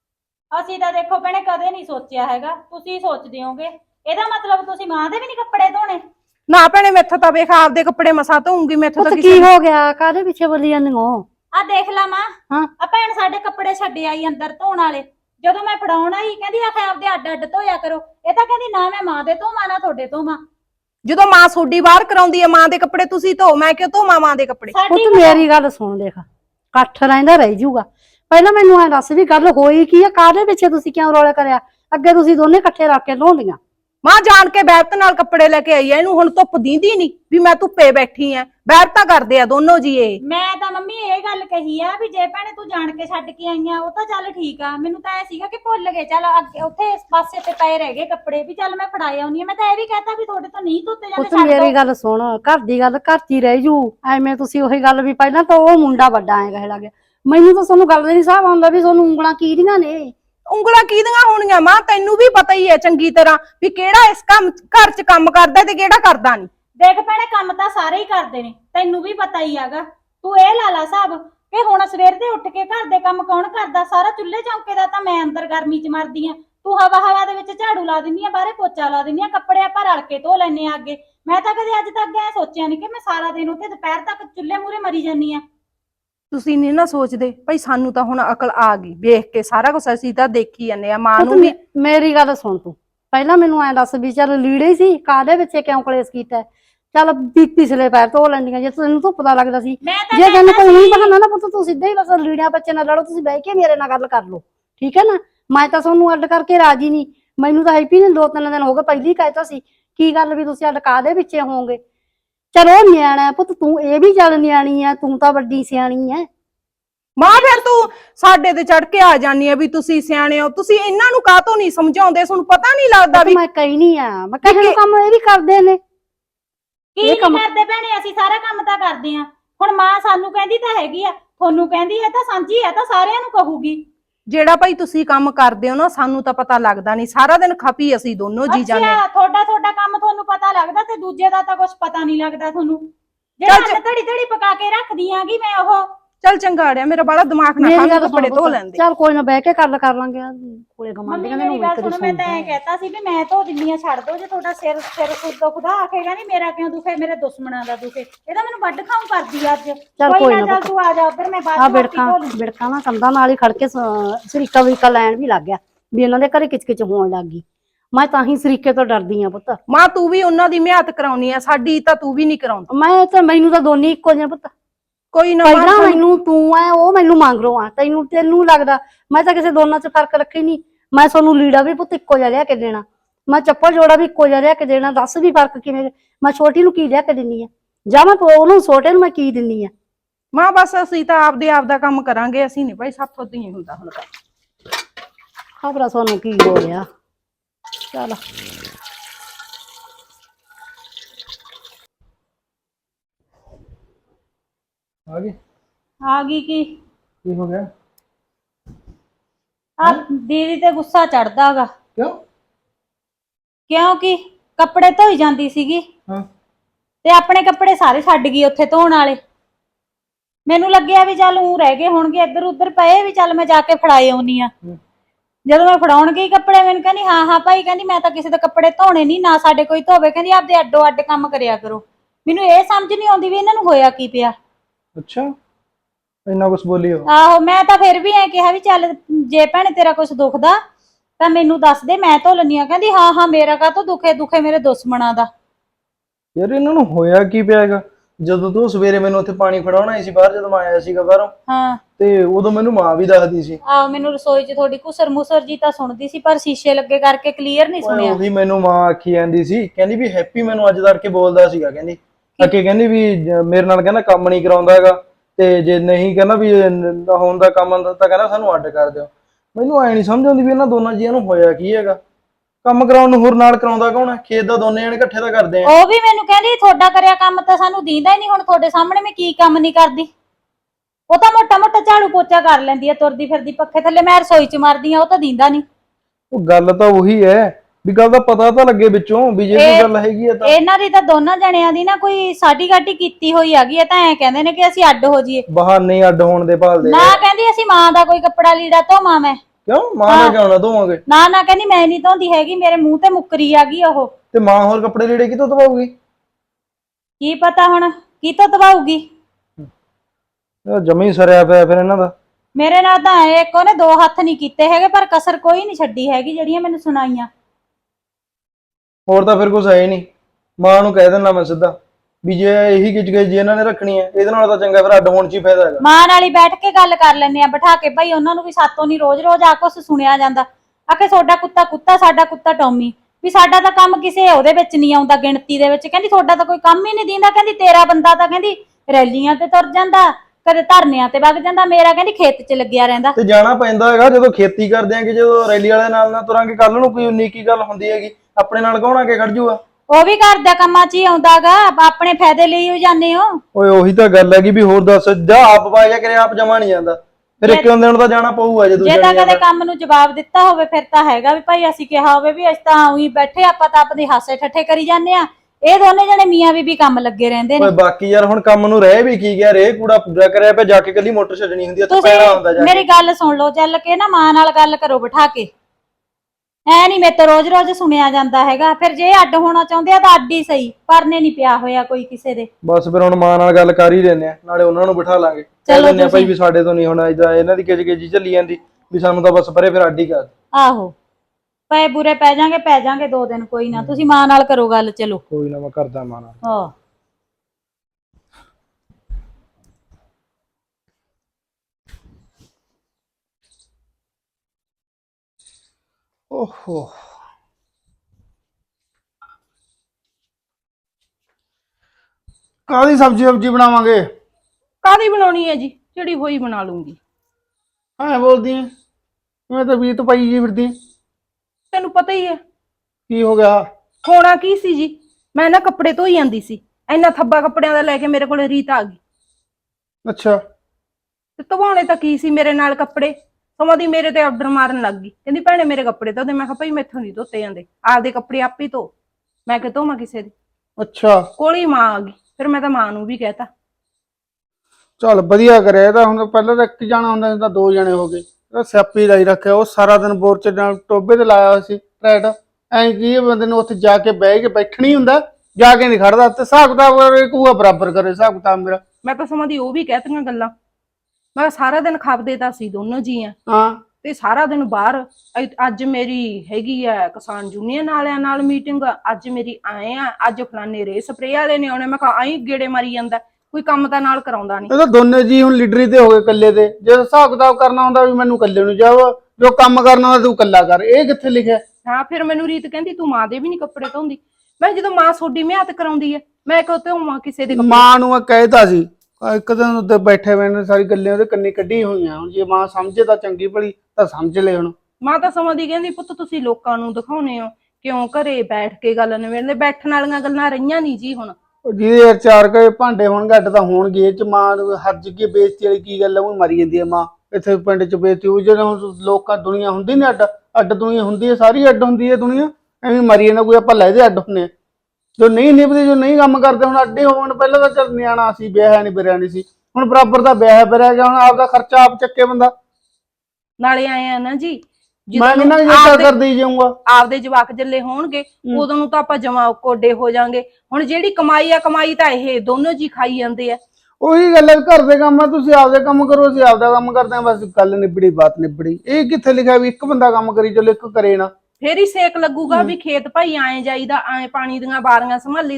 Speaker 2: ਅਸੀਂ ਤਾਂ ਦੇਖੋ ਭੈਣੇ ਕਦੇ ਨਹੀਂ ਸੋਚਿਆ ਹੈਗਾ, ਤੁਸੀਂ ਸੋਚਦੇ ਹੋਗੇ। ਇਹਦਾ ਮਤਲਬ ਤੁਸੀਂ ਮਾਂ ਦੇ ਵੀ ਨਹੀਂ ਕੱਪੜੇ ਧੋਣੇ?
Speaker 4: ਨਾ ਭੈਣੇ, ਮੈਥੋਂ ਤਾਂ ਵੇਖ ਆਪਦੇ ਕੱਪੜੇ ਮਸਾ ਧੋਉਂਗੀ, ਮੈਥੋਂ ਤਾਂ
Speaker 3: ਪੁੱਤ ਕੀ ਹੋ ਗਿਆ? ਕਾਹਦੇ ਪਿੱਛੇ ਬੋਲੀ ਜਾਂਦੀ ਹੋ?
Speaker 2: ਆ ਦੇਖ ਲਾ ਮਾਂ,
Speaker 3: ਹਾਂ।
Speaker 2: ਆ ਭੈਣ ਸਾਡੇ ਕੱਪੜੇ ਛੱਡ ਆਈ ਅੰਦਰ ਧੋਣ ਵਾਲੇ। ਜਦੋਂ ਮੈਂ ਫੜਾਉਣ ਆਈ ਕਹਿੰਦੀ ਆਖੇ ਆਪਦੇ ਅੱਡ ਅੱਡ ਧੋਇਆ ਕਰੋ। ਇਹ ਤਾਂ ਕਹਿੰਦੀ ਨਾ ਮੈਂ ਮਾਂ ਦੇ ਧੋਵਾਂ ਨਾ ਤੁਹਾਡੇ ਧੋਵਾਂ।
Speaker 4: ਜਦੋਂ ਮਾਂ ਸੋਡੀ ਬਾਹਰ ਕਰਾਉਂਦੀ ਹੈ ਮਾਂ ਦੇ ਕੱਪੜੇ ਤੁਸੀਂ ਧੋ, ਮੈਂ ਕਿਉਂ ਧੋਵਾਂ ਮਾਂ ਦੇ ਕੱਪੜੇ?
Speaker 2: ਸਾਡੀ
Speaker 3: ਪੁੱਤ ਮੇਰੀ ਗੱਲ ਸੁਣ, ਦੇਖ ਇਕੱਠ ਰਹਿੰਦਾ ਰਹਿ ਜਾਊਗਾ। ਪਹਿਲਾਂ ਮੈਨੂੰ ਐ ਦੱਸ ਵੀ ਗੱਲ ਹੋਈ ਕੀ ਆ? ਕਾਹਦੇ ਪਿੱਛੇ ਤੁਸੀਂ ਕਿਉਂ ਰੌਲਾ ਕਰਿਆ? ਅੱਗੇ ਤੁਸੀਂ ਦੋਨੇ ਇਕੱਠੇ ਰੱਖ ਕੇ ਧੋਂਦੀਆਂ।
Speaker 4: ਮਾਂ ਜਾਣ ਕੇ ਬੈਰਤ ਨਾਲ ਕੱਪੜੇ ਲੈ ਕੇ ਆਈ ਐ, ਇਹਨੂੰ ਹੁਣ ਧੁੱਪ ਦੀਂਦੀ ਨਹੀਂ ਵੀ ਮੈਂ ਧੁੱਪੇ ਬੈਠੀ ਐ। ਬੈਰਤਾਂ ਕਰਦੇ ਆ ਦੋਨੋਂ ਜੀ ਇਹ।
Speaker 2: ਮੈਂ ਤਾਂ ਮੰਮੀ ਇਹ ਗੱਲ ਕਹੀ ਆ ਵੀ ਜੇ ਭੈਣੇ ਤੂੰ ਜਾਣ ਕੇ ਛੱਡ ਕੇ ਆਈਆਂ ਉਹ ਤਾਂ ਚੱਲ ਠੀਕ ਆ। ਮੈਨੂੰ ਤਾਂ ਐ ਸੀਗਾ ਕਿ ਭੁੱਲ ਗਏ, ਚੱਲ ਅੱਗੇ ਉੱਥੇ ਇਸ ਪਾਸੇ ਤੇ ਪਏ ਰਹਿ ਗਏ ਕੱਪੜੇ, ਵੀ ਚੱਲ ਮੈਂ ਫੜਾਏ ਆਉਣੀ ਆ। ਮੈਂ ਤਾਂ ਇਹ ਵੀ ਕਹਤਾ ਵੀ ਤੁਹਾਡੇ ਤੋਂ ਨਹੀਂ ਧੋਤੇ ਜਾਂਦੇ,
Speaker 3: ਪੁੱਤ
Speaker 2: ਛੱਡ
Speaker 3: ਮੇਰੀ
Speaker 2: ਦਿਓ।
Speaker 3: ਗੱਲ ਸੁਣ, ਘਰ ਦੀ ਗੱਲ ਘਰ 'ਚ ਹੀ ਰਹਿ ਜੂ। ਐਵੇਂ ਤੁਸੀਂ ਉਹੀ ਗੱਲ ਵੀ ਪਹਿਲਾਂ ਤਾਂ ਉਹ ਮੁੰਡਾ ਵੱਡਾ ਐ ਕਹਿ ਲੱਗੇ। ਮੈਨੂੰ ਤਾਂ ਤੁਹਾਨੂੰ ਗੱਲ ਦਾ ਨਹੀਂ ਹਿਸਾਬ ਆਉਂਦਾ ਵੀ ਤੁਹਾਨੂੰ ਉਂਗਲਾਂ ਕਿਹਦੀਆਂ ਨੇ।
Speaker 4: ਉਂਗਲਾਂ ਕਿਹਦੀਆਂ ਹੋਣੀਆਂ ਮਾਂ? ਤੈਨੂੰ ਵੀ ਪਤਾ ਹੀ ਹੈ ਚੰਗੀ ਤਰ੍ਹਾਂ ਵੀ ਕਿਹੜਾ ਇਸ ਕੰਮ ਘਰ 'ਚ ਕੰਮ ਕਰਦਾ ਤੇ ਕਿਹੜਾ ਕਰਦਾ ਨਹੀਂ।
Speaker 2: ਦੇਖ ਭੈਣੇ ਕੰਮ ਤਾਂ ਸਾਰੇ ਹੀ ਕਰਦੇ ਨੇ, ਤੈਨੂੰ ਵੀ ਪਤਾ ਹੀ ਹੈਗਾ। ਤੂੰ ਇਹ ਲਾ ਲਾ ਹਿਸਾਬ ਕਿ ਹੁਣ ਸਵੇਰ ਦੇ ਉੱਠ ਕੇ ਘਰ ਦੇ ਕੰਮ ਕੌਣ ਕਰਦਾ? ਸਾਰਾ ਚੁੱਲ੍ਹੇ ਚੌਂਕੇ ਦਾ ਤਾਂ ਮੈਂ ਅੰਦਰ ਗਰਮੀ 'ਚ ਮਰਦੀ ਆ। ਤੂੰ ਹਵਾ ਦੇ ਵਿੱਚ ਝਾੜੂ ਲਾ ਦਿੰਦੀ ਆ, ਬਾਹਰੇ ਪੋਚਾ ਲਾ ਦਿੰਦੀ ਆ, ਕੱਪੜੇ ਆਪਾਂ ਰਲ ਕੇ ਧੋ ਲੈਨੇ ਆ ਅੱਗੇ। ਮੈਂ ਤਾਂ ਕਦੇ ਅੱਜ ਤੱਕ ਐ ਸੋਚਿਆ ਨਹੀਂ ਕਿ ਮੈਂ ਸਾਰਾ ਦਿਨ ਉੱਥੇ ਦੁਪਹਿਰ ਤੱਕ ਚੁੱਲ੍ਹੇ ਮੂਹਰੇ ਮਰੀ ਜਾਂਦੀ ਆ।
Speaker 4: ਤੁਸੀਂ ਨਹੀਂ ਨਾ ਸੋਚਦੇ ਭਾਈ, ਸਾਨੂੰ ਤਾਂ ਹੁਣ ਅਕਲ ਆ ਗਈ ਵੇਖ ਕੇ ਸਾਰਾ ਕੁਝ। ਅਸੀਂ ਤਾਂ ਦੇਖੀ ਜਾਂਦੇ ਆ ਮਾਂ
Speaker 3: ਪੁੱਤ
Speaker 4: ਨੂੰ ਵੀ।
Speaker 3: ਮੇਰੀ ਗੱਲ ਸੁਣ, ਤੂੰ ਪਹਿਲਾਂ ਮੈਨੂੰ ਐ ਦੱਸ ਵੀ ਚੱਲ ਲੀੜੇ ਸੀ ਕਾਹਦੇ ਵਿੱਚ ਕਿਉਂ ਕਲੇਸ਼ ਕੀਤਾ? ਚੱਲ ਪਿਛਲੇ ਪੈਰ ਧੋ ਲੈਂਦੀਆਂ ਜੇ ਤੈਨੂੰ ਧੁੱਪ ਦਾ ਲੱਗਦਾ ਸੀ।
Speaker 2: ਮੈਂ ਤਾਂ
Speaker 3: ਜੇ ਤੈਨੂੰ ਕੋਈ ਨਹੀਂ
Speaker 2: ਕਹਿੰਦਾ
Speaker 3: ਬਹਾਨਾ ਨਾ ਪੁੱਤ, ਤੂੰ ਸਿੱਧਾ ਹੀ ਬਸ ਲੀੜਿਆਂ ਬੱਚੇ ਨਾਲ ਲੜੋ, ਤੁਸੀਂ ਬਹਿ ਕੇ ਮੇਰੇ ਨਾਲ ਗੱਲ ਕਰ ਲਓ, ਠੀਕ ਹੈ ਨਾ? ਮੈਂ ਤਾਂ ਤੁਹਾਨੂੰ ਅੱਡ ਕਰਕੇ ਰਾਜੀ ਨਹੀਂ। ਮੈਨੂੰ ਤਾਂ ਹੈਪੀ ਨੇ 2-3 ਦਿਨ ਹੋ ਗਏ ਪਹਿਲੀ ਕਹਿਤਾ ਸੀ ਕੀ ਗੱਲ ਵੀ ਤੁਸੀਂ ਅੱਡ ਕਾਹਦੇ ਪਿੱਛੇ ਹੋਵੋਗੇ। ਚਲੋ ਨਿਆਣਾ ਪੁੱਤ, ਤੂੰ ਇਹ ਵੀ ਚੱਲ ਨਿਆਣੀ ਆ, ਤੂੰ ਤਾਂ ਵੱਡੀ ਸਿਆਣੀ ਐ।
Speaker 4: ਮਾਂ ਫਿਰ ਤੂੰ ਸਾਡੇ ਤੇ ਚੜ ਕੇ ਆ ਜਾਨੀ ਆ ਵੀ ਤੁਸੀਂ ਸਿਆਣੇ ਹੋ। ਤੁਸੀਂ ਇਹਨਾਂ ਨੂੰ ਕਾਹਤੋਂ ਨਹੀਂ ਸਮਝਾਉਂਦੇ? ਤੁਹਾਨੂੰ ਪਤਾ ਨਹੀਂ ਲੱਗਦਾ ਵੀ
Speaker 3: ਮੈਂ ਕਹੀ ਨਹੀਂ ਆ, ਮੈਂ ਕਿਸੇ ਨੂੰ ਕੰਮ ਇਹ ਵੀ ਕਰਦੇ ਨੇ।
Speaker 2: ਕੀ ਨਹੀਂ ਕਰਦੇ ਭੈਣੇ? ਅਸੀਂ ਸਾਰਾ ਕੰਮ ਤਾਂ ਕਰਦੇ ਆ। ਹੁਣ ਮਾਂ ਸਾਨੂੰ ਕਹਿੰਦੀ ਤਾਂ ਹੈਗੀ ਆ, ਤੁਹਾਨੂੰ ਕਹਿੰਦੀ ਹੈ ਤਾਂ ਸਾਂਝੀ ਹੈ, ਤਾਂ ਸਾਰਿਆਂ ਨੂੰ ਕਹੂਗੀ।
Speaker 4: ਜਿਹੜਾ ਭਾਈ ਤੁਸੀਂ ਕੰਮ ਕਰਦੇ ਹੋ ਨਾ, ਸਾਨੂੰ ਤਾਂ ਪਤਾ ਲੱਗਦਾ ਨਹੀਂ। ਸਾਰਾ ਦਿਨ ਖਪੀ ਅਸੀਂ ਦੋਨੋਂ ਜੀ ਜਾਂਦੇ।
Speaker 2: ਅੱਛਾ, ਤੁਹਾਡਾ ਕੰਮ ਤੁਹਾਨੂੰ ਪਤਾ ਲੱਗਦਾ ਤੇ ਦੂਜੇ ਦਾ ਤਾਂ ਕੁਝ ਪਤਾ ਨਹੀਂ ਲੱਗਦਾ ਤੁਹਾਨੂੰ। ਜਿਹੜਾ ਧੜੀ ਧੜੀ ਪਕਾ ਕੇ ਰੱਖਦੀ ਆਂਗੀ ਮੈਂ ਉਹ।
Speaker 4: ਚੱਲ ਚੰਗਾ ਅੜਿਆ, ਮੇਰਾ ਬੜਾ ਦਿਮਾਗ ਨਾ ਖਾ, ਕੱਪੜੇ ਧੋ ਲੈਂਦੇ।
Speaker 3: ਚੱਲ ਕੋਈ ਨਾ, ਬਹਿ ਕੇ ਗੱਲ ਕਰ ਲਾਂਗੇ। ਕੋਲੇ ਗਮਾਂਡੀਆਂ
Speaker 2: ਮੇਰੀ ਗੱਲ ਸੁਣੋ, ਮੈਂ ਤਾਂ ਐ ਕਹਿਤਾ ਸੀ ਵੀ ਮੈਂ ਧੋ ਦਿੰਨੀ ਆ, ਛੱਡ ਦੋ। ਜੇ ਤੁਹਾਡਾ ਸਿਰ ਦੁਖਦਾ ਆਖੇਗਾ ਨਹੀਂ ਮੇਰਾ ਕਿਉਂ ਦੁਖੇ, ਮੇਰੇ ਦੁਸ਼ਮਣਾਂ ਦਾ ਦੁਖੇ। ਇਹਦਾ ਮੈਨੂੰ ਵੱਢ ਖਾਉ ਕਰਦੀ ਅੱਜ।
Speaker 3: ਕੋਈ ਨਾ,
Speaker 2: ਚੱਲ ਤੂੰ ਆ ਜਾ ਉੱਧਰ, ਮੈਂ ਬਾਅਦ
Speaker 3: ਚ ਬਿੜਕਾਂ ਨਾ ਕੰਧਾਂ ਨਾਲ ਹੀ ਖੜ ਕੇ ਸਰੀਕਾ ਵੀਕਾ ਲੈਣ ਵੀ ਲੱਗ ਗਿਆ ਵੀ ਇਹਨਾਂ ਦੇ ਘਰੇ ਕਿਚ ਹੋਣ ਲੱਗ ਗਈ। ਮੈਂ ਤਾਂ ਹੀ ਸਰੀਕੇ ਤੋਂ ਡਰਦੀ ਆ ਪੁੱਤ।
Speaker 4: ਮਾਂ ਤੂੰ ਵੀ ਉਹਨਾਂ ਦੀ ਮਿਹਨਤ ਕਰਾਉਣੀ ਆ, ਸਾਡੀ ਤਾਂ ਤੂੰ ਵੀ ਨਹੀਂ ਕਰਾਉਂਦਾ।
Speaker 3: ਮੈਨੂੰ ਤਾਂ ਦੋਨੇ ਇੱਕੋ ਜਿਹੇ ਪੁੱਤ।
Speaker 4: ਕੋਈ ਨਾ,
Speaker 3: ਪਹਿਲਾਂ ਮੈਨੂੰ ਤੂੰ ਐ, ਉਹ ਮੈਨੂੰ ਮੰਗਰੋਂ ਆ। ਤੈਨੂੰ ਲੱਗਦਾ ਮੈਂ ਤਾਂ ਕਿਸੇ ਦੋਨਾਂ ਚ ਫਰਕ ਰੱਖੀ ਨਹੀਂ। ਮੈਂ ਤੁਹਾਨੂੰ ਲੀੜਾ ਵੀ ਪੁੱਤ ਇੱਕੋ ਜਿਹਾ ਲਿਆ ਕੇ ਦੇਣਾ, ਮੈਂ ਚੱਪਲ ਜੋੜਾ ਵੀ ਇੱਕੋ ਜਿਹਾ ਲਿਆ ਕੇ ਦੇਣਾ। ਦੱਸ ਵੀ ਫਰਕ ਕਿਵੇਂ? ਮੈਂ ਛੋਟੀ ਨੂੰ ਕੀ ਲਿਆ ਕੇ ਦਿੰਨੀ ਆ ਜਾਂ ਮੈਂ ਉਹਨੂੰ ਛੋਟੇ ਨੂੰ ਮੈਂ ਕੀ ਦਿੰਨੀ ਆ?
Speaker 4: ਮਾਂ ਬਸ ਅਸੀਂ ਤਾਂ ਆਪਦਾ ਕੰਮ ਕਰਾਂਗੇ, ਅਸੀਂ ਨਹੀਂ ਭਾਈ ਸਾਥੋਂ ਨਹੀਂ ਹੁੰਦਾ ਹੁਣ ਤਾਂ।
Speaker 3: ਖਬਰਾਂ ਤੁਹਾਨੂੰ ਕੀ ਹੋ ਰਿਹਾ। ਚੱਲ
Speaker 2: ਆ ਗਈ
Speaker 1: ਕੀ ਹੋ ਗਿਆ?
Speaker 2: ਆ ਦੀਦੀ ਤੇ ਗੁੱਸਾ ਚੜਦਾਗਾ।
Speaker 1: ਕਿਉਂ?
Speaker 2: ਕਿਉਂਕਿ ਕੱਪੜੇ ਧੋਈ ਜਾਂਦੀ ਸੀਗੀ
Speaker 1: ਹਾਂ,
Speaker 2: ਤੇ ਆਪਣੇ ਕੱਪੜੇ ਸਾਰੇ ਛੱਡ ਗਈ ਉੱਥੇ ਧੋਣ ਵਾਲੇ। ਮੈਨੂੰ ਲੱਗਿਆ ਵੀ ਚੱਲ ਊਂ ਰਹਿ ਗਏ ਹੋਣਗੇ ਇੱਧਰ ਉੱਧਰ ਪਏ, ਵੀ ਚੱਲ ਮੈਂ ਜਾ ਕੇ ਫੜਾਏ ਆਉਣੀ ਆ। ਜਦੋਂ ਮੈਂ ਫੜਾਉਣ ਗਈ ਕੱਪੜੇ, ਮੈਨੂੰ ਕਹਿੰਦੀ ਹਾਂ ਭਾਈ, ਕਹਿੰਦੀ ਮੈਂ ਤਾਂ ਕਿਸੇ ਦੇ ਕੱਪੜੇ ਧੋਣੇ ਨਹੀਂ, ਨਾ ਸਾਡੇ ਕੋਈ ਧੋਵੇ, ਕਹਿੰਦੀ ਆਪਦੇ ਅੱਡੋ ਅੱਡ ਕੰਮ ਕਰਿਆ ਕਰੋ। ਮੈਨੂੰ ਇਹ ਸਮਝ ਨਹੀਂ ਆਉਂਦੀ ਵੀ ਇਹਨਾਂ ਨੂੰ ਹੋਇਆ ਕੀ ਪਿਆ।
Speaker 1: ਅੱਛਾ, ਇੰਨਾ ਕੁਛ ਬੋਲੀ ਹੋ?
Speaker 2: ਆਹੋ, ਮੈਂ ਤਾਂ ਫਿਰ ਵੀ ਐ ਕਿਹਾ ਵੀ ਚੱਲ ਜੇ ਭੈਣੇ ਤੇਰਾ ਕੁਛ ਦੁਖਦਾ ਤਾਂ ਮੈਨੂੰ ਦੱਸ ਦੇ, ਮੈਂ ਧੋ ਲੈਂਦੀ ਆ। ਕਹਿੰਦੀ ਹਾਂ ਮੇਰਾ ਕਾਹਤੋਂ ਦੁਖੇ ਮੇਰੇ ਦੁਸ਼ਮਣਾਂ ਦਾ।
Speaker 1: ਯਾਰ ਇਹਨਾਂ ਨੂੰ ਹੋਇਆ ਕੀ ਪਿਆ ਹੈਗਾ? ਜਦੋਂ ਤੂੰ ਸਵੇਰੇ ਮੈਨੂੰ ਉੱਥੇ ਪਾਣੀ ਫੜਾਉਣ ਆਈ ਸੀ ਬਾਹਰ, ਜਦੋਂ ਮੈਂ ਆਇਆ ਸੀਗਾ ਬਾਹਰੋਂ,
Speaker 2: ਹਾਂ
Speaker 1: ਤੇ ਉਦੋਂ ਮੈਨੂੰ ਮਾਂ ਵੀ ਦੱਸਦੀ ਸੀ।
Speaker 2: ਆ ਮੈਨੂੰ ਰਸੋਈ 'ਚ ਤੁਹਾਡੀ ਘੁਸਰ ਮੁਸਰ ਜੀ ਤਾਂ ਸੁਣਦੀ ਸੀ, ਪਰ ਸ਼ੀਸ਼ੇ ਲੱਗੇ ਕਰਕੇ ਕਲੀਅਰ ਨਹੀਂ
Speaker 1: ਓਏ
Speaker 2: ਸੁਣਿਆ।
Speaker 1: ਉਹੀ ਮੈਨੂੰ ਮਾਂ ਆਖੀ ਜਾਂਦੀ ਸੀ, ਕਹਿੰਦੀ ਵੀ ਹੈਪੀ ਮੈਨੂੰ ਅੱਜ ਤੜਕੇ ਬੋਲਦਾ ਸੀਗਾ, ਕਹਿੰਦੀ ਅੱਗੇ ਕਹਿੰਦੀ ਵੀ ਮੇਰੇ ਨਾਲ ਕਹਿੰਦਾ ਕੰਮ ਨਹੀਂ ਕਰਾਉਂਦਾ ਹੈਗਾ, ਤੇ ਜੇ ਨਹੀਂ ਕਹਿੰਦਾ ਵੀ ਹੋਣ ਦਾ ਕੰਮ ਤਾਂ ਕਹਿੰਦਾ ਸਾਨੂੰ ਅੱਡ ਕਰ ਦਿਓ। ਮੈਨੂੰ ਐ ਨਹੀਂ ਸਮਝ ਆਉਂਦੀ ਵੀ ਇਹਨਾਂ ਦੋਨਾਂ ਜੀਆਂ ਨੂੰ ਹੋਇਆ ਕੀ ਹੈਗਾ। ਕੰਮ ਕਰਾਉਣ ਨੂੰ ਹੋਰ ਨਾਲ ਕਰਾਉਂਦਾ ਕੌਣ ਹੈ? ਖੇਤ ਦਾ ਦੋਨੇ ਜਣੇ ਇਕੱਠੇ ਤਾਂ ਕਰਦੇ ਆ।
Speaker 2: ਉਹ ਵੀ ਮੈਨੂੰ ਕਹਿੰਦੀ ਤੁਹਾਡਾ ਕਰਿਆ ਕੰਮ ਤਾਂ ਸਾਨੂੰ ਦੀਂਦਾ ਹੀ ਨਹੀਂ, ਹੁਣ ਤੁਹਾਡੇ ਸਾਹਮਣੇ ਮੈਂ ਕੀ ਕੰਮ ਨਹੀਂ ਕਰਦੀ। ਉਹ ਤਾਂ ਮੋਟਾ ਮੋਟਾ ਝਾੜੂ ਪੋਚਾ ਕਰ ਲੈਂਦੀ ਆ ਤੁਰਦੀ ਫਿਰਦੀ ਪੱਖੇ ਥੱਲੇ, ਮੈਂ ਰਸੋਈ 'ਚ ਮਰਦੀ ਆ, ਉਹ ਤਾਂ ਦੀਂਦਾ ਨਹੀਂ।
Speaker 1: ਉਹ ਗੱਲ ਤਾਂ ਉਹੀ ਹੈ ਵੀ ਗੱਲ ਦਾ ਪਤਾ ਤਾਂ ਲੱਗੇ ਵਿੱਚੋਂ ਵੀ ਜੇ ਕੋਈ ਗੱਲ ਹੈਗੀ ਆ ਤਾਂ।
Speaker 2: ਇਹਨਾਂ ਦੀ ਤਾਂ ਦੋਨਾਂ ਜਣਿਆਂ ਦੀ ਨਾ ਕੋਈ ਸਾਡੀ ਗਾਟੀ ਕੀਤੀ ਹੋਈ ਹੈਗੀ ਆ, ਤਾਂ ਐ ਕਹਿੰਦੇ ਨੇ ਕਿ ਅਸੀਂ ਅੱਡ ਹੋ ਜਾਈਏ।
Speaker 1: ਬਹਾਨੇ ਅੱਡ ਹੋਣ ਦੇ ਭਾਲਦੇ
Speaker 2: ਨਾ ਕਹਿੰਦੀ ਅਸੀਂ ਮਾਂ ਦਾ ਕੋਈ ਕੱਪੜਾ ਲੀੜਾ ਧੋਵਾਂ ਮੈਂ।
Speaker 1: ਕਿਉਂ ਮਾਂ ਦਾ ਕਿਉਂ ਨਾ ਧੋਵਾਂਗੇ?
Speaker 2: ਨਾ ਨਾ ਕਹਿੰਦੀ ਮੈਂ ਨਹੀਂ ਧੋਂਦੀ ਹੈਗੀ, ਮੇਰੇ ਮੂੰਹ ਤੇ ਮੁੱਕਰੀ ਆ ਗਈ ਉਹ।
Speaker 1: ਤੇ ਮਾਂ ਹੋਰ ਕੱਪੜੇ ਲੀੜੇ ਕਿਤੋਂ ਧਵਾਉਗੀ?
Speaker 2: ਕੀ ਪਤਾ ਹੁਣ ਕਿਤੋਂ ਧਵਾਉਗੀ।
Speaker 1: ਇਹ ਜਮੀ ਸਰਿਆ ਪਿਆ ਫਿਰ ਇਹਨਾਂ ਦਾ।
Speaker 2: ਮੇਰੇ ਨਾਲ ਤਾਂ ਇੱਕ ਉਹਨੇ ਦੋ ਹੱਥ ਨਹੀਂ ਕੀਤੇ ਹੈਗੇ, ਪਰ ਕਸਰ ਕੋਈ ਨਹੀਂ ਛੱਡੀ ਹੈਗੀ ਜਿਹੜੀਆਂ ਮੈਨੂੰ ਸੁਣਾਈਆਂ।
Speaker 1: ਹੋਰ ਤਾਂ ਫਿਰ ਕੁਝ ਹੈ ਹੀ ਨਹੀਂ। ਮਾਂ ਨੂੰ ਕਹਿ ਦੇਣਾ ਮੈਂ ਸਿੱਧਾ ਵੀ ਜੇ ਇਹੀ ਗਿੱਜ ਗਈ ਜੀ ਇਹਨਾਂ ਨੇ ਰੱਖਣੀ ਹੈ, ਇਹਦੇ ਨਾਲ ਤਾਂ ਚੰਗਾ ਫਿਰ ਅੱਡ ਹੋਣ 'ਚ ਹੀ ਫਾਇਦਾ ਹੈਗਾ।
Speaker 2: ਮਾਂ ਨਾਲ ਹੀ ਬੈਠ ਕੇ ਗੱਲ ਕਰ ਲੈਂਦੇ ਆ ਬਿਠਾ ਕੇ, ਭਾਈ ਉਹਨਾਂ ਨੂੰ ਵੀ ਸਾਤੋਂ ਨਹੀਂ ਰੋਜ਼ ਰੋਜ਼ ਆ ਕੁਛ ਸੁਣਿਆ ਜਾਂਦਾ। ਆਖੇ ਤੁਹਾਡਾ ਕੁੱਤਾ ਕੁੱਤਾ, ਸਾਡਾ ਕੁੱਤਾ ਟੌਮੀ, ਵੀ ਸਾਡਾ ਤਾਂ ਕੰਮ ਕਿਸੇ ਉਹਦੇ ਵਿੱਚ ਨਹੀਂ ਆਉਂਦਾ ਗਿਣਤੀ ਦੇ ਵਿੱਚ। ਕਹਿੰਦੀ ਤੁਹਾਡਾ ਤਾਂ ਕੋਈ ਕੰਮ ਹੀ ਨਹੀਂ ਦਿੰਦਾ, ਕਹਿੰਦੀ ਤੇਰਾ ਬੰਦਾ ਤਾਂ ਕਹਿੰਦੀ ਰੈਲੀਆਂ ਤੇ ਤੁਰ ਜਾਂਦਾ, ਕਦੇ ਧਰਨਿਆਂ ਤੇ ਵਗ ਜਾਂਦਾ, ਮੇਰਾ ਕਹਿੰਦੀ ਖੇਤ 'ਚ ਲੱਗਿਆ ਰਹਿੰਦਾ।
Speaker 1: ਤੇ ਜਾਣਾ ਪੈਂਦਾ ਹੈਗਾ ਜਦੋਂ ਖੇਤੀ ਕਰਦੇ ਆਂਗੇ, ਜਦੋਂ ਰੈਲੀ ਵਾਲੇ ਨਾਲ ਨਾ ਤੁਰਾਂਗੇ, ਕੱਲ ਨੂੰ ਕੋਈ ਉਨੀ ਕੀ ਗੱਲ ਹੁੰਦੀ ਹੈਗੀ, ਆਪਣੇ ਨਾਲ ਕੌਣ ਆ ਕੇ ਖੜ ਜੂਗਾ?
Speaker 2: ਉਹ ਵੀ ਘਰ ਦੇ ਕੰਮਾਂ 'ਚ ਹੀ ਆਉਂਦਾਗਾ, ਆਪਣੇ ਫਾਇਦੇ ਲਈ ਹੋ ਜਾਂਦੇ ਹੋ।
Speaker 1: ਓਏ ਉਹੀ ਤਾਂ ਗੱਲ ਹੈਗੀ ਵੀ ਹੋਰ ਦੱਸ, ਜਾ ਆਪ ਪਾ ਜਾ ਕਰੇ, ਆਪ ਜਮਾ ਨਹੀਂ ਜਾਂਦਾ, ਫਿਰ ਇੱਕ ਹੁੰਦੇ ਹੁਣ ਤਾਂ ਜਾਣਾ ਪਊਗਾ। ਜੇ
Speaker 2: ਜੇ ਤਾਂ ਕਦੇ ਕੰਮ ਨੂੰ ਜਵਾਬ ਦਿੱਤਾ ਹੋਵੇ ਫਿਰ ਤਾਂ ਹੈਗਾ ਵੀ ਭਾਈ ਅਸੀਂ ਕਿਹਾ ਹੋਵੇ ਵੀ ਅਸੀਂ ਤਾਂ ਉਹੀ ਬੈਠੇ, ਆਪਾਂ ਤਾਂ ਆਪਣੇ ਹਾਸੇ ਠੱਠੇ ਕਰੀ ਜਾਂਦੇ ਆ। ਇਹ ਦੋਨੇ ਜਣੇ ਮੀਆਂ ਬੀਬੀ ਕੰਮ ਲੱਗੇ ਰਹਿੰਦੇ ਨੇ।
Speaker 1: ਓਏ ਬਾਕੀ ਯਾਰ ਹੁਣ ਕੰਮ ਨੂੰ ਰਹਿ ਵੀ ਕੀ ਗਿਆ, ਰੇ ਕੂੜਾ ਪੂਰਾ ਕਰਿਆ ਪਿਆ, ਜਾ ਕੇ ਕੱਲੀ ਮੋਟਰ ਛੱਡਣੀ ਹੁੰਦੀ ਆ, ਤੇ ਪੈਣਾ ਹੁੰਦਾ ਜਾ ਕੇ।
Speaker 2: ਮੇਰੀ ਗੱਲ ਸੁਣ ਲਓ, ਚੱਲ ਕੇ ਨਾ ਮਾਂ ਨਾਲ ਗੱਲ ਕਰੋ ਬਿਠਾ ਕੇ। ਐ ਨਹੀਂ ਮੇਰੇ ਤੋਂ ਰੋਜ਼ ਰੋਜ਼ ਸੁਣਿਆ ਜਾਂਦਾ ਹੈਗਾ। ਫਿਰ ਜੇ ਅੱਡ ਹੋਣਾ ਚਾਹੁੰਦੇ ਆ ਤਾਂ ਅੱਡ ਹੀ ਸਹੀ, ਪਰਨੇ ਨਹੀਂ ਪਿਆ ਹੋਇਆ ਕੋਈ ਕਿਸੇ ਦੇ।
Speaker 1: ਬਸ ਫਿਰ ਹੁਣ ਮਾਂ ਨਾਲ ਗੱਲ ਕਰ ਹੀ ਲੈਨੇ ਆ, ਨਾਲੇ ਉਹਨਾਂ ਨੂੰ ਬਿਠਾ ਲਾਂਗੇ, ਕਹਿ ਦਿੰਦੇ ਆ ਭਾਈ ਵੀ ਸਾਡੇ ਤੋਂ ਨਹੀਂ ਹੁਣ ਇਦਾਂ ਇਹਨਾਂ ਦੀ ਕਿਜ ਚੱਲੀ ਜਾਂਦੀ, ਵੀ ਸਾਨੂੰ ਤਾਂ ਬਸ ਪਰੇ ਫਿਰ ਅੱਡ ਹੀ ਕਰ।
Speaker 2: ਆਹੋ ਪਏ ਬੁਰੇ ਪੈ ਜਾਾਂਗੇ 2 ਦਿਨ, ਕੋਈ ਨਾ, ਤੁਸੀਂ ਮਾਂ ਨਾਲ ਕਰੋ ਗੱਲ। ਚਲੋ
Speaker 1: ਕੋਈ ਨਾ, ਮੈਂ ਕਰਦਾ ਮਾਂ ਨਾਲ।
Speaker 2: ਹਾਂ
Speaker 1: ਓਹੋ ਕਾਹਦੀ ਸਬਜ਼ੀ ਬਣਾਵਾਂਗੇ?
Speaker 4: ਕਾਹਦੀ ਬਣਾਉਣੀ ਹੈ ਜੀ? ਜਿਹੜੀ ਹੋਈ ਬਣਾ ਲੂੰਗੀ।
Speaker 1: ਐ ਬੋਲਦੀ ਐ, ਮੈਂ ਤਾਂ ਵੀਤ ਪਾਈ ਜੀ ਫਿਰਦੀ।
Speaker 4: ਤੈਨੂੰ ਪਤਾ ਹੀ ਹੈ
Speaker 1: ਕੀ ਹੋ ਗਿਆ?
Speaker 4: ਹੋਣਾ ਕੀ ਸੀ ਜੀ, ਮੈਂ ਨਾ ਕੱਪੜੇ ਧੋਈ ਜਾਂਦੀ ਸੀ, ਇੰਨਾ ਥੱਬਾ ਕੱਪੜਿਆਂ ਦਾ ਲੈ ਕੇ ਮੇਰੇ ਕੋਲੇ ਰੀਤ ਆ ਗਈ।
Speaker 1: ਅੱਛਾ।
Speaker 4: ਤੇ ਧਵਾਉਣੇ ਤਾਂ ਕੀ ਸੀ ਮੇਰੇ ਨਾਲ ਕੱਪੜੇ, ਸਮਾਂ ਦੀ ਮੇਰੇ ਤੇ ਆਰਡਰ ਮਾਰਨ ਲੱਗ ਗਈ, ਕਹਿੰਦੀ ਭੈਣੇ ਮੇਰੇ ਕੱਪੜੇ ਧੋ ਦੇ। ਮੈਂ ਕਿਹਾ ਭਾਈ ਮੈਥੋਂ ਨਹੀਂ ਧੋਤੇ ਜਾਂਦੇ, ਆਪਦੇ ਕੱਪੜੇ ਆਪ ਹੀ ਧੋ, ਮੈਂ ਕਿ ਧੋਵਾਂ ਕਿਸੇ ਦੇ।
Speaker 1: ਅੱਛਾ।
Speaker 4: ਕੋਲੀ ਮਾਂ ਆ ਗਈ, ਫਿਰ ਮੈਂ ਤਾਂ ਮਾਂ ਨੂੰ ਵੀ ਕਹਿਤਾ।
Speaker 1: ਚੱਲ ਵਧੀਆ ਕਰਿਆ, ਤਾਂ ਹੁਣ ਪਹਿਲਾਂ ਤਾਂ ਇੱਕ ਜਾਣਾ ਹੁੰਦਾ ਸੀ, ਤਾਂ 2 ਜਣੇ ਹੋ ਗਏ। ਸਿਆਪੀ ਲਾਈ ਰੱਖਿਆ, ਉਹ ਸਾਰਾ ਦਿਨ ਬੋਰ ਚ ਨਾਲ ਟੋਬੇ ਤੇ ਲਾਇਆ ਹੋਇਆ ਸੀ ਟਰੈਟ। ਐਂ ਕੀ ਬੰਦੇ ਨੂੰ ਉੱਥੇ ਜਾ ਕੇ ਬਹਿ ਕੇ ਬੈਠਣੀ ਹੁੰਦਾ, ਜਾ ਕੇ ਨਹੀਂ ਖੜਦਾ। ਤੇ ਹਿਸਾਬ ਕਿਤਾਬ ਕੂਆ ਬਰਾਬਰ ਕਰੇ ਹਿਸਾਬ ਕਿਤਾਬ ਮੇਰਾ।
Speaker 4: ਮੈਂ ਤਾਂ ਸਮਾਂ ਦੀ ਉਹ ਵੀ ਕਹਿਤੀਆਂ ਗੱਲਾਂ। ਮੈਂ ਸਾਰਾ ਦਿਨ ਖਾਪਦੇ ਤਾਂ ਸੀ ਦੋਨੋਂ ਜੀ ਆ,
Speaker 1: ਹਾਂ।
Speaker 4: ਤੇ ਸਾਰਾ ਦਿਨ ਬਾਹਰ। ਅੱਜ ਮੇਰੀ ਹੈਗੀ ਆ ਕਿਸਾਨ ਯੂਨੀਅਨ ਵਾਲਿਆਂ ਨਾਲ ਮੀਟਿੰਗ, ਅੱਜ ਮੇਰੀ ਆਏ ਆ, ਅੱਜ ਫਲਾਣੇ ਰੇ ਸਪਰੇ ਵਾਲੇ ਨੇ ਆਉਣੇ। ਮੈਂ ਕਿਹਾ ਆਈ ਗੇੜੇ ਮਾਰੀ ਜਾਂਦਾ, ਕੋਈ ਕੰਮ ਤਾਂ ਨਾਲ ਕਰਾਉਂਦਾ ਨਹੀਂ।
Speaker 1: ਇਹ ਤਾਂ ਦੋਨੇ ਜੀ ਹੁਣ ਲੀਡਰੀ ਤੇ ਹੋ ਗਏ ਇਕੱਲੇ ਤੇ। ਜੇ ਹਿਸਾਬ ਕਿਤਾਬ ਕਰਨਾ ਹੁੰਦਾ ਵੀ ਮੈਨੂੰ ਇਕੱਲੇ ਨੂੰ ਜਾਓ, ਜੋ ਕੰਮ ਕਰਨਾ ਹੁੰਦਾ ਤੂੰ ਇਕੱਲਾ ਕਰ, ਇਹ ਕਿੱਥੇ ਲਿਖਿਆ?
Speaker 4: ਹਾਂ ਫਿਰ ਮੈਨੂੰ ਰੀਤ ਕਹਿੰਦੀ ਤੂੰ ਮਾਂ ਦੇ ਵੀ ਨਹੀਂ ਕੱਪੜੇ ਧੋਂਦੀ। ਮੈਂ ਜਦੋਂ ਮਾਂ ਸੋਡੀ ਮਿਹਨਤ ਕਰਾਉਂਦੀ ਹੈ, ਮੈਂ ਕਿਉਂ ਧੋਵਾਂ ਕਿਸੇ ਦੇ ਕੱਪੜੇ?
Speaker 1: ਮਾਂ ਨੂੰ ਮੈਂ ਕਹਿਤਾ ਸੀ, ਇੱਕ ਦਿਨ ਉੱਤੇ ਬੈਠੇ ਹੋਏ ਨੇ, ਸਾਰੀ ਗੱਲਾਂ ਉਹਦੇ ਕੰਨੀ ਕੱਢੀ ਹੋਈਆਂ। ਹੁਣ ਜੇ ਮਾਂ ਸਮਝੇ ਤਾਂ ਚੰਗੀ ਭਲੀ, ਤਾਂ ਸਮਝ ਲੈ। ਹੁਣ
Speaker 4: ਮਾਂ ਤਾਂ ਸਮਝਦੀ, ਕਹਿੰਦੀ ਪੁੱਤ ਤੁਸੀਂ ਲੋਕਾਂ ਨੂੰ ਦਿਖਾਉਣੇ ਹੋ, ਕਿਉਂ ਘਰੇ ਬੈਠ ਕੇ ਗੱਲ ਨਿਬੇੜਦੇ? ਬੈਠਣ ਵਾਲੀਆਂ ਗੱਲਾਂ ਰਹੀਆਂ ਨਹੀਂ ਜੀ ਹੁਣ।
Speaker 1: ਜਿਹਦੇ 4 ਕੇ ਭਾਂਡੇ ਹੋਣਗੇ ਅੱਡ ਤਾਂ ਹੋਣਗੇ। ਇਹ ਚ ਮਾਂ ਹੱਜ ਕੇ ਬੇਇੱਜ਼ਤੀ ਵਾਲੀ ਕੀ ਗੱਲ ਹੈ? ਉਹ ਮਰੀ ਜਾਂਦੀ ਹੈ ਮਾਂ। ਇੱਥੇ ਪਿੰਡ ਚ ਬੇਇੱਜ਼ਤੀ ਉਹ ਜਿਹੜੇ ਹੁਣ ਲੋਕਾਂ ਦੁਨੀਆ ਹੁੰਦੀ ਨੇ ਅੱਡ ਦੁਨੀਆ ਹੁੰਦੀ ਹੈ, ਸਾਰੀ ਅੱਡ ਹੁੰਦੀ ਹੈ ਦੁਨੀਆ। ਐਵੇਂ ਮਰੀ ਜਾਂਦਾ ਕੋਈ, ਆਪਾਂ ਲੈਦੇ ਅੱਡ ਹੁੰਨੇ ਆ। ਜੋ ਨਹੀਂ ਨਿਭਦੇ, ਜੋ ਨਹੀਂ ਕੰਮ ਕਰਦੇ, ਹੁਣ ਅੱਡੇ ਹੋਣ। ਪਹਿਲਾਂ ਤਾਂ ਚੱਲ ਨਿਆਣਾ ਸੀ, ਵਿਆਹਿਆ ਨਹੀਂ ਬਰਿਆ ਨਹੀਂ ਸੀ, ਹੁਣ ਬਰਾਬਰ ਦਾ ਵਿਆਹ ਬਰਿਆ ਗਿਆ। ਹੁਣ ਆਪਦਾ ਖਰਚਾ ਆਪ ਚੱਕੇ ਬੰਦਾ।
Speaker 4: ਨਾਲੇ ਆਏ ਆ ਨਾ ਜੀ,
Speaker 1: ਮੈਂ ਕਿੰਨਾ ਕਰਦੀ ਜਾਊਂਗਾ।
Speaker 4: ਆਪਦੇ ਜਵਾਕ ਜੱਲੇ ਹੋਣਗੇ ਉਦੋਂ ਨੂੰ ਤਾਂ ਆਪਾਂ ਜਮਾ ਕੋਡੇ ਹੋ ਜਾਾਂਗੇ। ਹੁਣ ਜਿਹੜੀ ਕਮਾਈ ਆ, ਕਮਾਈ ਤਾਂ ਇਹ ਦੋਨੋਂ ਜੀ ਖਾਈ ਜਾਂਦੇ ਆ।
Speaker 1: ਉਹੀ ਗੱਲ ਹੈ, ਘਰ ਦੇ ਕੰਮ ਆ, ਤੁਸੀਂ ਆਪਦੇ ਕੰਮ ਕਰੋ, ਅਸੀਂ ਆਪਦਾ ਕੰਮ ਕਰਦੇ ਆ, ਬਸ ਗੱਲ ਨਿਬੜੀ, ਬਾਤ ਨਿਬੜੀ। ਇਹ ਕਿੱਥੇ ਲਿਖਿਆ ਵੀ ਇੱਕ ਬੰਦਾ ਕੰਮ ਕਰੀ ਚੱਲੋ, ਇੱਕ ਕਰੇ ਨਾ?
Speaker 4: ਫੇਰ ਹੀ ਸੇਕ ਲੱਗੂਗਾ ਵੀ ਖੇਤ ਭਾਈ ਆਏ ਜਾਈਦਾ, ਆਏ ਪਾਣੀ ਦੀਆਂ ਬਾਰੀਆਂ ਸੰਭਾਲੀ ਦੀਆਂ।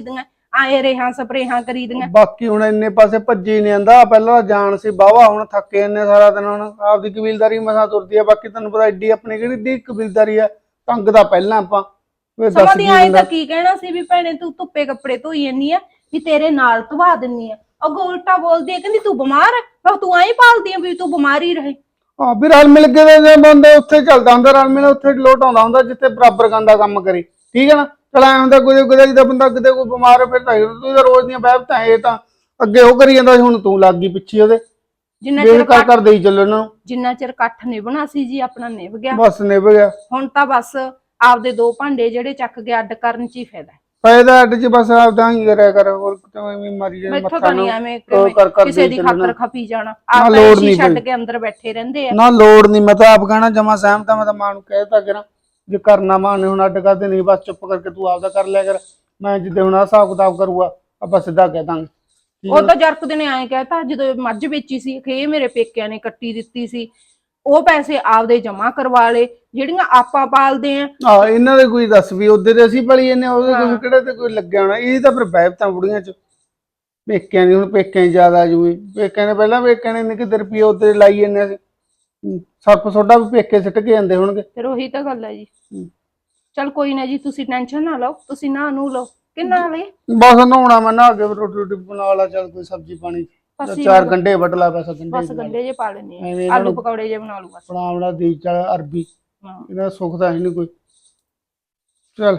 Speaker 4: ਆਏ ਰੇਹਾਂ ਸਪਰੇਹਾਂ ਕਰੀ ਦੀਆਂ।
Speaker 5: ਬਾਕੀ ਹੁਣ ਇੰਨੇ ਪਾਸੇ ਭੱਜੀ ਨਹੀਂ ਆਂਦਾ, ਪਹਿਲਾਂ ਜਾਣ ਸੀ ਬਾਵਾ, ਹੁਣ ਥੱਕੇ ਇੰਨੇ ਸਾਰਾ ਦਿਨ, ਹੁਣ ਆਪਦੀ ਕਬੀਲਦਾਰੀ ਮਸਾਂ ਤੁਰਦੀ ਆ। ਬਾਕੀ ਤੈਨੂੰ ਪਤਾ ਐਡੀ ਆਪਣੀ ਕਿਹੜੀ ਏਡੀ ਕਬੀਲਦਾਰੀ ਆ, ਤੰਗ ਦਾ ਪਹਿਲਾਂ ਆਪਾਂ
Speaker 4: ਸਮਾਂ ਦੀ ਆਏ ਤਾਂ ਕੀ ਕਹਿਣਾ ਸੀ ਵੀ ਭੈਣੇ ਤੂੰ ਧੁੱਪੇ ਕੱਪੜੇ ਧੋਈ ਜੰਨੀ ਆ ਵੀ ਤੇਰੇ ਨਾਲ ਧਵਾ ਦਿੰਨੀ ਆ, ਅੱਗੋਂ ਉਲਟਾ ਬੋਲਦੀ ਆ ਕਹਿੰਦੀ ਤੂੰ ਬਿਮਾਰ ਹੈ, ਮੈਂ ਤੂੰ ਐਂ ਭਾਲਦੀ ਆ ਵੀ ਤੂੰ ਬਿਮਾਰ ਹੀ ਰਹੇ।
Speaker 5: ਹਾਂ ਵੀ ਰਲ ਮਿਲ ਕੇ ਜੇ ਬੰਦਾ ਉੱਥੇ ਚੱਲਦਾ ਹੁੰਦਾ, ਰਲ ਮਿਲ ਉੱਥੇ ਲੋਟ ਆਉਂਦਾ ਹੁੰਦਾ ਜਿੱਥੇ ਬਰਾਬਰ ਗੰਦਾ ਕੰਮ ਕਰੇ, ਠੀਕ ਹੈ ਨਾ। ਚਲ ਐ ਹੁੰਦਾ ਕੋਈ ਜਿਹਦਾ ਬੰਦਾ ਕਿਤੇ ਕੋਈ ਬਿਮਾਰ ਹੋ ਫਿਰ ਤਾਂ ਤੂੰ ਤਾਂ ਰੋਜ਼ ਦੀਆਂ ਬਹਿਬਤਾਂ, ਇਹ ਤਾਂ ਅੱਗੇ ਉਹ ਕਰੀ ਜਾਂਦਾ ਸੀ, ਹੁਣ ਤੂੰ ਲੱਗ ਗਈ ਪਿੱਛੇ ਉਹਦੇ।
Speaker 4: ਜਿੰਨਾ
Speaker 5: ਦੇਖ
Speaker 4: ਚਿਰ
Speaker 5: ਕਰ ਦੇਈ ਚੱਲੋ ਇਹਨਾਂ ਨੂੰ,
Speaker 4: ਜਿੰਨਾ ਚਿਰ ਇਕੱਠ ਨਿਭਣਾ ਸੀ ਜੀ ਆਪਣਾ ਨਿਭ ਗਿਆ,
Speaker 5: ਬਸ ਨਿਭ ਗਿਆ।
Speaker 4: ਹੁਣ ਤਾਂ ਬਸ ਆਪਦੇ ਦੋ ਭਾਂਡੇ ਜਿਹੜੇ ਚੱਕ ਕੇ ਅੱਡ ਕਰਨ ਚ ਹੀ ਫਾਇਦਾ।
Speaker 5: ਫਾਇਦਾ ਅੱਡ ਚ ਬਸ ਆਪਦਾ ਹੀ ਕਰਿਆ ਕਰ, ਹੋਰ ਕਿਵੇਂ ਮਾਰੀ ਜਾਏ
Speaker 4: ਮੈਥੋਂ
Speaker 5: ਮੱਥਾ
Speaker 4: ਤਾਂ
Speaker 5: ਨੂੰ
Speaker 4: ਨਹੀਂ ਐਵੇਂ
Speaker 5: ਦੇਈ
Speaker 4: ਕਿਸੇ ਦੀ
Speaker 5: ਚੱਲਣਾ।
Speaker 4: ਖਾਤਰ ਖਪੀ ਜਾਣਾ,
Speaker 5: ਨਾ
Speaker 4: ਆਪ
Speaker 5: ਲੋੜ
Speaker 4: ਤਾਂ
Speaker 5: ਨਹੀਂ
Speaker 4: ਛੱਡ
Speaker 5: ਪਈ।
Speaker 4: ਕੇ ਅੰਦਰ ਬੈਠੇ ਰਹਿੰਦੇ ਆ।
Speaker 5: ਨਾ ਲੋੜ ਨਹੀਂ, ਮੈਂ ਤਾਂ ਆਪ ਕਹਿਣਾ ਜਮਾ ਸਹਿਮਤ ਆ। ਮੈਂ ਤਾਂ ਮਾਂ ਨੂੰ ਕਹਿਤਾ ਕਰਾਂ ਜੇ ਕਰਨਾ ਮਾਂ ਨੇ ਹੁਣ ਅੱਡ ਕਰਦੇ ਨਹੀਂ, ਬਸ ਚੁੱਪ ਕਰਕੇ ਤੂੰ ਆਪਦਾ ਕਰ ਲਿਆ ਕਰ। ਮੈਂ ਜਿੱਦੇ ਹੁਣ ਹਿਸਾਬ ਕਿਤਾਬ ਕਰੂਗਾ ਆਪਾਂ ਸਿੱਧਾ ਕਹਿ ਦਾਂਗੇ।
Speaker 4: ਉਹ ਤਾਂ ਜਰਕਦੇ ਨੇ ਐਂ ਕਹਿਤਾ ਜਦੋਂ ਮੱਝ ਵੇਚੀ ਸੀ ਕਿ ਇਹ ਮੇਰੇ ਪੇਕਿਆਂ ਨੇ ਕੱਟੀ ਦਿੱਤੀ ਸੀ, ਉਹ ਪੈਸੇ ਆਪਦੇ ਜਮਾ ਕਰਵਾ ਲਏ ਜਿਹੜੀਆਂ ਆਪਾਂ ਪਾਲਦੇ ਆ।
Speaker 5: ਆਹ ਇਹਨਾਂ ਦੇ ਕੋਈ ਦੱਸ ਵੀ ਉਹਦੇ ਤੇ ਅਸੀਂ ਪਲੀ ਜਾਂਦੇ, ਉਹਦੇ ਕੋਈ ਕਿਹੜੇ ਤੇ ਕੋਈ ਲੱਗਿਆ ਹੋਣਾ। ਇਹ ਤਾਂ ਫਿਰ ਬਹਿਬਤਾਂ ਬੁੜੀਆਂ ਚ ਪੇਕਿਆਂ ਦੀ, ਹੁਣ ਪੇਕਿਆਂ ਚ ਜ਼ਿਆਦਾ ਜੂਈ। ਪੇਕਿਆਂ ਨੇ ਪਹਿਲਾਂ ਪੇਕਿਆਂ ਨੇ ਕਿਤੇ ਰੁਪਈਏ ਉਹਦੇ ਲਾਈ ਜਾਂਦੇ ਸੀ, ਸਰਪ ਸੋਡਾ ਵੀ ਪੇਕੇ ਸਿੱਟ ਕੇ ਜਾਂਦੇ ਹੋਣਗੇ।
Speaker 4: ਫਿਰ ਉਹੀ ਤਾਂ ਗੱਲ ਹੈ ਜੀ। ਚਲ ਕੋਈ ਨਾ ਜੀ, ਤੁਸੀਂ ਟੈਨਸ਼ਨ ਨਾ ਲਓ, ਤੁਸੀਂ ਨਾ ਨੂੰ ਲਓ ਕਿ ਨਾ ਲਈ
Speaker 5: ਬਸ ਨਹਾਉਣਾ ਮੈਂ, ਨਹਾ ਕੇ ਰੋਟੀ ਰੋਟੀ ਬਣਾ ਲਾ, ਚੱਲ ਕੋਈ ਸਬਜ਼ੀ ਪਾਣੀ ਚਾਰ ਗੰਢੇ ਵੱਢ ਲਾ, ਬਸ
Speaker 4: ਬਸ ਗੰਡੇ ਜੇ ਪਾ ਲੈਣੇ
Speaker 5: ਐਵੇਂ
Speaker 4: ਆ,
Speaker 5: ਇਹਨਾਂ
Speaker 4: ਆਲੂ
Speaker 5: ਨੂੰ
Speaker 4: ਪਕੌੜੇ ਜੇ ਬਣਾ ਲੂ ਬਸ।
Speaker 5: ਬਣਾਉਣਾ ਦੀ ਚੱਲ ਅਰਬੀ,
Speaker 4: ਹਾਂ
Speaker 5: ਇਹਦਾ ਸੁੱਖ ਤਾਂ ਹੈ ਨਹੀਂ ਕੋਈ। ਚੱਲ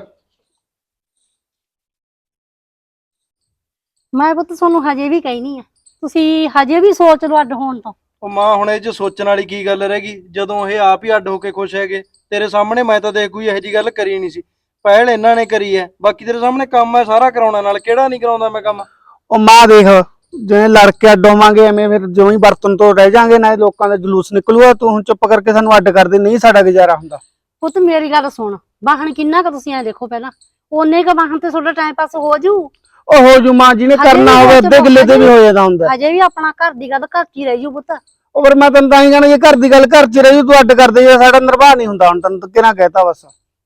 Speaker 3: ਮੈਂ ਪੁੱਤ ਤੁਹਾਨੂੰ ਹਜੇ ਵੀ ਕਹਿਨੀ ਆ, ਤੁਸੀਂ ਹਜੇ ਵੀ ਸੋਚ ਲਓ ਅੱਡ ਹੋਣ ਤੋਂ।
Speaker 1: ਉਹ ਮਾਂ ਹੁਣ ਇਹ ਚ ਸੋਚਣ ਵਾਲੀ ਕੀ ਗੱਲ ਰਹਿ ਗਈ, ਜਦੋਂ ਇਹ ਆਪ ਹੀ ਅੱਡ ਹੋ ਕੇ ਖੁਸ਼ ਹੈਗੇ। ਤੇਰੇ ਸਾਹਮਣੇ ਮੈਂ ਤਾਂ ਦੇਖ ਕੋਈ ਇਹੋ ਜਿਹੀ ਗੱਲ ਕਰੀ ਨਹੀਂ ਸੀ, ਪਹਿਲ ਇਹਨਾਂ ਨੇ ਕਰੀ ਹੈ। ਬਾਕੀ ਤੇਰੇ ਸਾਹਮਣੇ ਕੰਮ ਹੈ ਸਾਰਾ ਕਰਾਉਣਾ, ਨਾਲ ਕਿਹੜਾ ਨਹੀਂ ਕਰਾਉਂਦਾ ਮੈਂ ਕੰਮ।
Speaker 5: ਉਹ ਮਾਂ ਦੇਖ, ਜਿਵੇਂ ਲੜ ਕੇ ਅੱਡ ਹੋਵਾਂਗੇ ਐਵੇਂ ਫਿਰ ਜਿਉਂ ਹੀ ਬਰਤਨ ਤੋਂ ਰਹਿ ਜਾਾਂਗੇ ਨਾ, ਲੋਕਾਂ ਦਾ ਜਲੂਸ ਨਿਕਲੂਗਾ। ਤੂੰ ਹੁਣ ਚੁੱਪ ਕਰਕੇ ਸਾਨੂੰ ਅੱਡ ਕਰ ਦੇ, ਨਹੀਂ ਸਾਡਾ ਗੁਜ਼ਾਰਾ ਹੁੰਦਾ।
Speaker 3: ਪੁੱਤ ਮੇਰੀ ਗੱਲ ਸੁਣ, ਵਾਹਣ ਕਿੰਨਾ ਕੁ ਤੁਸੀਂ ਐ ਦੇਖੋ ਪਹਿਲਾਂ, ਓਨੇ ਕੁ ਵਾਹਣ ਤੇ ਤੁਹਾਡਾ ਟਾਈਮ ਪਾਸ ਹੋ ਜੂ।
Speaker 5: ਉਹ ਹੋ ਜੂ ਮਾਂ, ਜਿਹਨੇ ਕਰਨਾ ਹੋਵੇ ਅੱਧੇ ਕਿੱਲੇ ਤੇ ਵੀ ਹੋ ਜਾਂਦਾ ਹੁੰਦਾ।
Speaker 3: ਹਜੇ ਵੀ ਆਪਣਾ ਘਰ ਦੀ ਗੱਲ ਘਰ 'ਚ ਹੀ ਰਹਿ ਜੂ ਪੁੱਤ।
Speaker 5: ਉਹ ਫਿਰ ਮੈਂ ਤੈਨੂੰ ਤਾਂ ਹੀ ਕਹਿਣਾ, ਜੇ ਘਰ ਦੀ ਗੱਲ ਘਰ 'ਚ ਰਹੀ ਤੂੰ ਅੱਡ ਕਰ ਦੇ, ਸਾਡਾ ਨਿਰਵਾਹ ਨਹੀਂ ਹੁੰਦਾ। ਹੁਣ ਤੈਨੂੰ ਕਿਹਨਾਂ ਕਹਿਤਾ, ਬਸ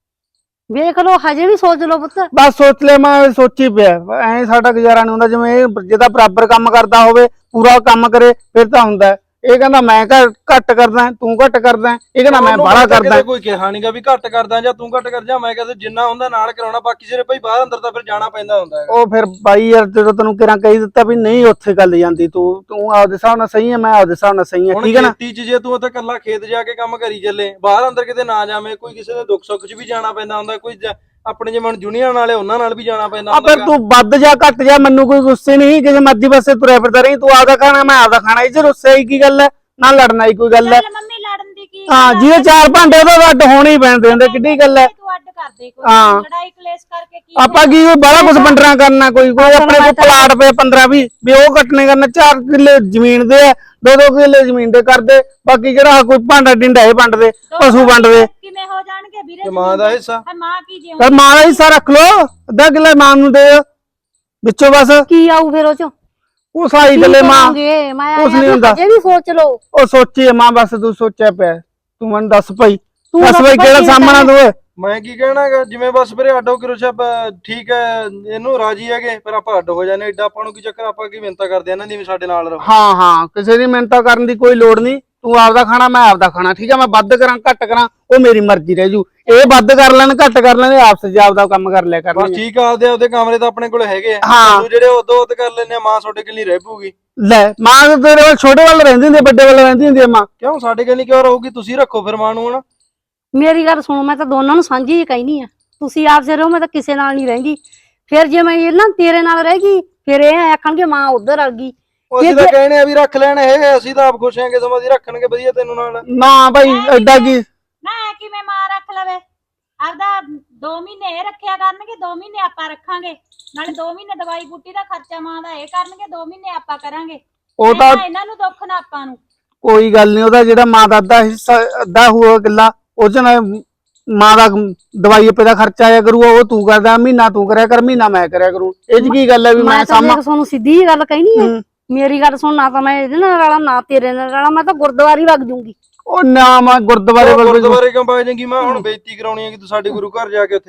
Speaker 3: ਵੇਖ ਲਓ, ਹਜੇ ਵੀ ਸੋਚ ਲਓ ਪੁੱਤ।
Speaker 5: ਬਸ ਸੋਚ ਲਿਆ ਮੈਂ, ਸੋਚੀ ਪਿਆ ਐ ਸਾਡਾ ਗੁਜ਼ਾਰਾ ਨਹੀਂ ਹੁੰਦਾ। ਜਿਵੇਂ ਇਹ ਜਿਹਦਾ ਬਰਾਬਰ ਕੰਮ ਕਰਦਾ ਹੋਵੇ, ਪੂਰਾ ਕੰਮ ਕਰੇ, ਫਿਰ ਤਾਂ ਹੁੰਦਾ। ਇਹ ਕਹਿੰਦਾ ਮੈਂ ਘੱਟ ਕਰਦਾ, ਤੂੰ ਘੱਟ ਕਰਦਾ, ਇਹ ਕਹਿੰਦਾ ਮੈਂ ਬਾਹਲਾ ਕਰਦਾ।
Speaker 1: ਕੋਈ ਕਿਹਾ ਨਹੀਂਗਾ ਵੀ ਘੱਟ ਕਰਦਾ ਜਾਂ ਤੂੰ ਘੱਟ ਕਰ ਜਾ, ਮੈਂ ਕਹਿੰਦਾ ਜਿੰਨਾ ਹੁੰਦਾ ਨਾਲ ਕਰਾਉਣਾ, ਬਾਕੀ ਸਿਰੇ ਭਾਈ ਬਾਹਰ ਅੰਦਰ ਤਾਂ ਫਿਰ ਜਾਣਾ ਪੈਂਦਾ ਹੁੰਦਾ ਹੈ।
Speaker 5: ਉਹ ਫਿਰ ਬਾਈ ਯਾਰ ਜਦੋਂ ਤੈਨੂੰ ਕਿਰਾਂ ਕਹੀ ਦਿੱਤਾ ਵੀ ਨਹੀਂ ਉੱਥੇ ਗੱਲ ਜਾਂਦੀ, ਤੂੰ ਆਪਦੇ ਹਿਸਾਬ ਨਾਲ ਸਹੀ ਹੈ, ਮੈਂ ਆਪਦੇ ਹਿਸਾਬ ਨਾਲ ਸਹੀ ਹਾਂ, ਠੀਕ ਹੈ ਨਾ।
Speaker 1: ਖੇਤੀ 'ਚ ਜੇ ਤੂੰ ਉੱਥੇ ਇਕੱਲਾ ਖੇਤ ਜਾ ਕੇ ਕੰਮ ਕਰੀ ਚੱਲੇ, ਬਾਹਰ ਅੰਦਰ ਕਿਤੇ ਨਾ ਜਾਵੇਂ, ਕੋਈ ਕਿਸੇ ਦੇ ਦੁੱਖ ਸੁੱਖ 'ਚ ਵੀ ਜਾਣਾ ਪੈਂਦਾ ਹੁੰਦਾ, ਕੋਈ ਆਪਣੇ ਜਿਵੇਂ ਹੁਣ ਜੂਨੀਅਰ ਵਾਲੇ ਉਹਨਾਂ ਨਾਲ ਵੀ ਜਾਣਾ ਪੈਂਦਾ ਹੁੰਦਾ।
Speaker 5: ਫਿਰ ਤੂੰ ਵੱਧ ਜਾ ਘੱਟ ਜਾ, ਮੈਨੂੰ ਕੋਈ ਗੁੱਸੇ ਨਹੀਂ, ਕਿਸੇ ਮਰਜ਼ੀ ਪਾਸੇ ਤੁਰਿਆ ਫਿਰਦਾ ਰਹੀ। ਤੂੰ ਆਪਦਾ ਖਾਣਾ, ਮੈਂ ਆਪਦਾ ਖਾਣਾ, ਇਹ 'ਚ ਰੁੱਸੇ ਹੀ ਕੀ ਗੱਲ ਹੈ, ਨਾ ਲੜਨਾ ਹੀ ਕੋਈ ਗੱਲ ਹੈ।
Speaker 2: ਮੰਮੀ ਲੜਨ ਦੀ ਕੀ
Speaker 5: ਹਾਂ, ਜਿਹਦੇ ਚਾਰ ਭਾਂਡੇ ਉਹਦਾ ਅੱਡ ਹੋਣੇ ਹੀ ਪੈਂਦੇ ਹੁੰਦੇ, ਕਿੱਡੀ ਗੱਲ ਹੈ।
Speaker 2: ਤੂੰ ਅੱਡ ਕਰ ਦੇ, ਕੋਈ
Speaker 5: ਹਾਂ।
Speaker 2: ਲੜਾਈ ਕਲੇਸ਼ ਕਰਕੇ ਕੀ
Speaker 5: ਆਪਾਂ ਕੀ ਬੜਾ ਕੁਝ ਵੰਡਣਾ ਕਰਨਾ, ਕੋਈ ਆਪਣੇ ਕੋਲ ਪਲਾਟ ਪਏ 15-20 ਵੀ ਉਹ ਕੱਟਣੇ ਕਰਨਾ, 4 ਕਿੱਲੇ ਜ਼ਮੀਨ ਦੇ ਆ, 2-2 ਕਿੱਲੇ ਜ਼ਮੀਨ ਦੇ ਕਰਦੇ। ਬਾਕੀ ਜਿਹੜਾ ਕੋਈ ਭਾਂਡਾ ਡਿੰਡਾ ਇਹ ਵੰਡਦੇ, ਪਸ਼ੂ ਵੰਡਦੇ।
Speaker 2: ਕਿਵੇਂ ਹੋ ਜਾਣਗੇ ਵੀਰੇ?
Speaker 1: ਤੇ ਮਾਂ ਦਾ ਹਿੱਸਾ
Speaker 2: ਮਾਂ ਕੀ ਜਿਉਂ
Speaker 5: ਪਰ ਮਾਂ ਦਾ ਹਿੱਸਾ ਰੱਖ ਲੋ, ਅੱਧਾ ਕਿੱਲਾ ਮਾਂ ਨੂੰ ਦੇ ਵਿੱਚੋਂ, ਬਸ
Speaker 3: ਕੀ ਆਊ ਫਿਰ ਉਹ 'ਚ?
Speaker 5: ਉਹ ਸਾਈ ਗੱਲੇ ਮਾਂ
Speaker 3: ਮੈਂ
Speaker 5: ਕੁਛ ਨੀ ਹੁੰਦਾ।
Speaker 3: ਹਜੇ ਵੀ ਸੋਚ ਲਓ।
Speaker 5: ਉਹ ਸੋਚੀ ਮਾਂ, ਬਸ ਤੂੰ ਸੋਚਿਆ ਪਿਆ, ਤੂੰ ਮੈਨੂੰ ਦੱਸ ਭਾਈ,
Speaker 3: ਤੂੰ
Speaker 5: ਦੱਸ ਭਾਈ ਕਿਹੜਾ ਸਾਹਮਣਾ ਤੂੰ।
Speaker 1: ਮੈਂ ਕੀ ਕਹਿਣਾਗਾ, ਜਿਵੇਂ ਬਸ ਵੀਰੇ ਅੱਡ ਹੋ ਕੇ ਰੁਸ਼ਾ ਠੀਕ ਹੈ, ਇਹਨੂੰ ਰਾਜੀ ਹੈਗੇ, ਪਰ ਆਪਾਂ ਅੱਡ ਹੋ ਜਾਂਦੇ। ਏਡਾ ਆਪਾਂ ਨੂੰ ਕੀ ਚੱਕਰ, ਆਪਾਂ ਕੀ ਮਿਹਨਤਾਂ ਕਰਦੇ ਇਹਨਾਂ ਦੀ ਵੀ ਸਾਡੇ ਨਾਲ ਰਹੋ।
Speaker 5: ਹਾਂ ਹਾਂ, ਕਿਸੇ ਦੀ ਮਿਹਨਤਾਂ ਕਰਨ ਦੀ ਕੋਈ ਲੋੜ ਨਹੀਂ। ਤੂੰ ਆਪਦਾ ਖਾਣਾ, ਮੈਂ ਆਪਦਾ ਖਾਣਾ, ਠੀਕ ਹੈ। ਮੈਂ ਵੱਧ ਕਰਾਂ ਘੱਟ ਕਰਾਂ ਉਹ ਮੇਰੀ ਮਰਜ਼ੀ ਰਹਿ ਜੂ। ਇਹ ਵੱਧ ਕਰ ਲੈਣ ਘੱਟ ਕਰ ਲੈਣ, ਆਪਸ ਚ ਆਪਦਾ ਕੰਮ ਕਰ ਲਿਆ
Speaker 1: ਬਸ
Speaker 5: ਕਰਨਗੇ।
Speaker 1: ਠੀਕ ਆ, ਆਪਦੇ ਕਮਰੇ ਤਾਂ ਆਪਣੇ ਕੋਲ ਹੈਗੇ ਆ,
Speaker 5: ਹਾਂ।
Speaker 1: ਤੂੰ ਜਿਹੜੇ ਉਦੋਂ ਉਦ ਕਰ ਲੈਨੇ ਆ, ਮਾਂ ਤੁਹਾਡੇ ਕੋਲ ਨਹੀਂ ਰਹਿ ਪਊਗੀ।
Speaker 5: ਲੈ ਮਾਂ ਤੇਰੇ ਵੱਲ ਛੋਟੇ ਵੱਲ ਰਹਿੰਦੀ ਹੁੰਦੀ, ਵੱਡੇ ਵੱਲ ਰਹਿੰਦੀ ਹੁੰਦੀ ਆ ਮਾਂ।
Speaker 1: ਕਿਉਂ ਸਾਡੇ ਕੋਲ ਨਹੀਂ ਕਿਉਂ ਰਹੂਗੀ? ਤੁਸੀਂ ਰੱਖੋ ਫਿਰ ਮਾਂ ਨੂੰ। ਹੁਣ
Speaker 3: ਮੇਰੀ ਗੱਲ ਸੁਣੋ, ਮੈਂ ਤਾਂ ਦੋਨਾਂ ਨੂੰ ਸਾਂਝੀ ਹੀ ਕਹਿਨੀ ਆ, ਤੁਸੀਂ ਆਪ ਸੇ ਰਹੋ, ਮੈਂ ਤਾਂ ਕਿਸੇ ਨਾਲ ਨਹੀਂ ਰਹਿੰਦੀ। ਫਿਰ ਜੇ ਮੈਂ ਇਹ ਨਾ ਤੇਰੇ ਨਾਲ ਰਹਿ ਗਈ, ਫਿਰ ਇਹ ਆਖਣਗੇ ਮਾਂ ਉਧਰ ਆ ਗਈ।
Speaker 1: ਅਸੀਂ ਤਾਂ ਕਹਿੰਦੇ ਆ ਵੀ ਰੱਖ ਲੈਣ ਇਹ, ਅਸੀਂ ਤਾਂ ਆਪ ਖੁਸ਼ ਹੈਗੇ, ਸਮਾਂ ਦੀ ਰੱਖਣਗੇ ਵਧੀਆ ਤੈਨੂੰ ਨਾਲ।
Speaker 5: ਨਾ ਭਾਈ ਐਡਾ ਕੀ
Speaker 2: ਨਾ ਕਿਵੇਂ ਮਾਂ ਰੱਖ ਲਵੇ? ਆਪਦਾ 2 ਮਹੀਨੇ ਇਹ ਰੱਖਿਆ ਕਰਨਗੇ, 2 ਮਹੀਨੇ ਆਪਾਂ ਰੱਖਾਂਗੇ, ਨਾਲੇ 2 ਮਹੀਨੇ ਦਵਾਈ ਬੂਟੀ ਦਾ ਖਰਚਾ ਮਾਂ ਦਾ ਇਹ ਕਰਨਗੇ, 2 ਮਹੀਨੇ ਆਪਾਂ ਕਰਾਂਗੇ।
Speaker 5: ਉਹ ਤਾਂ
Speaker 2: ਇਹਨਾਂ ਨੂੰ ਦੁੱਖ ਨਾ ਆਪਾਂ ਨੂੰ।
Speaker 5: ਕੋਈ ਗੱਲ ਨਹੀਂ, ਉਹਦਾ ਜਿਹੜਾ ਮਾਂ ਦਾ ਅੱਧਾ ਹਿੱਸਾ ਅੱਧਾ ਹੋਊਗਾ ਕਿੱਲਾ, ਉਹ ਚ ਨਾ ਮਾਂ ਦਾ ਦਵਾਈ ਆਪੇ ਦਾ ਖਰਚਾ ਆਇਆ ਕਰੂਗਾ, ਉਹ ਤੂੰ ਕਰਦਾ, ਮਹੀਨਾ ਤੂੰ ਕਰਿਆ ਕਰ, ਮਹੀਨਾ ਮੈਂ ਕਰਿਆ ਕਰੂੰ। ਇਹ ਚ ਕੀ ਗੱਲ ਹੈ ਵੀ ਮੈਂ ਸਾਮਾ।
Speaker 3: ਤੁਹਾਨੂੰ ਸਿੱਧੀ ਹੀ ਗੱਲ ਕਹਿਣੀ ਹੈ, ਮੇਰੀ ਗੱਲ ਸੁਣ, ਨਾ ਤਾਂ ਮੈਂ ਇਹਦੇ ਨਾਲ ਰਲਾ, ਨਾ ਤੇਰੇ ਨਾਲ ਰਲਾ, ਮੈਂ ਤਾਂ ਗੁਰਦੁਆਰੇ ਵਗ ਜੂੰਗੀ।
Speaker 5: ਉਹ ਨਾ ਮੈਂ ਗੁਰਦੁਆਰੇ
Speaker 1: ਕਿਉਂ ਪਾ ਜਾਏਗੀ ਮਾਂ? ਹੁਣ ਬੇਇੱਜ਼ਤੀ ਕਰਾਉਣੀ ਹੈ ਕਿ ਤੂੰ ਸਾਡੇ ਗੁਰੂ ਘਰ ਜਾ ਕੇ ਉੱਥੇ?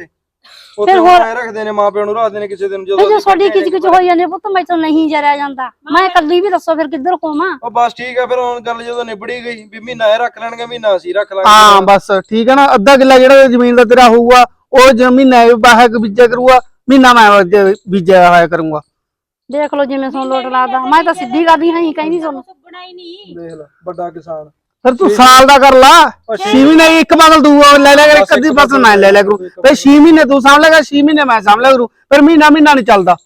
Speaker 1: ਉੱਥੇ ਹੁਣ ਐ ਰੱਖਦੇ ਨੇ ਮਾਂ ਪਿਓ ਨੂੰ ਰੱਖਦੇ ਨੇ ਕਿਸੇ ਦਿਨ
Speaker 3: ਫਿਰ
Speaker 1: ਜਦੋਂ
Speaker 3: ਜੇ ਤੁਹਾਡੀ ਕਿਚ ਕਿਚ ਹੋਈ ਜਾਂਦੀ ਪੁੱਤ ਮੈਂ ਤਾਂ ਨਹੀਂ ਜਰਿਆ ਜਾਂਦਾ ਮੈਂ ਕੱਲੀ ਵੀ ਦੱਸੋ ਫਿਰ ਕਿੱਧਰ ਕੋਵਾਂ
Speaker 1: ਉਹ ਬਸ ਠੀਕ ਹੈ ਫਿਰ ਹੁਣ ਗੱਲ ਜਦੋਂ ਨਿਬੜੀ ਗਈ ਵੀ ਮਹੀਨਾ ਇਹ ਰੱਖ ਲੈਣਗੇ ਮਹੀਨਾ ਅਸੀਂ ਰੱਖ ਲਾਂਗੇ
Speaker 5: ਹਾਂ ਬਸ ਠੀਕ ਹੈ ਨਾ, ਅੱਧਾ ਕਿੱਲਾ ਜਿਹੜਾ ਜ਼ਮੀਨ ਦਾ ਤੇਰਾ ਹੋਊਗਾ ਉਹ ਮਹੀਨਾ ਬਾਹਰ ਬੀਜਿਆ ਕਰੂਗਾ, ਮਹੀਨਾ ਮੈਂ ਬੀਜਿਆ ਹੋਇਆ ਕਰੂੰਗਾ।
Speaker 3: ਦੇਖ ਲਓ ਜਿਵੇਂ ਤੁਹਾਨੂੰ ਲੋਟ ਲਾਦਾ ਮੈਂ ਤਾਂ ਸਿੱਧੀ ਕਰਦੀ ਹਾਂ ਕਹਿੰਦੀ ਤੁਹਾਨੂੰ
Speaker 2: ਸੁੱਗਣਾ ਹੀ ਨਹੀਂ।
Speaker 1: ਦੇਖ ਲੈ ਵੱਡਾ ਕਿਸਾਨ
Speaker 5: ਫਿਰ ਤੂੰ ਸਾਲ ਦਾ ਕਰ ਲਾ, 6 ਮਹੀਨੇ ਇੱਕ ਫਸਲ ਤੂੰ ਲੈ ਲਿਆ ਕਰ, ਇੱਕ ਅੱਧੀ ਫਸਲ ਮੈਂ ਲੈ ਲਿਆ ਕਰੂ, ਫਿਰ 6 ਮਹੀਨੇ ਤੂੰ ਸਾਂਭ ਲੇਗਾ, 6 ਮਹੀਨੇ ਮੈਂ ਸਾਂਭ ਲਿਆ ਕਰੂ, ਫਿਰ ਮਹੀਨਾ ਨਹੀਂ ਚੱਲਦਾ।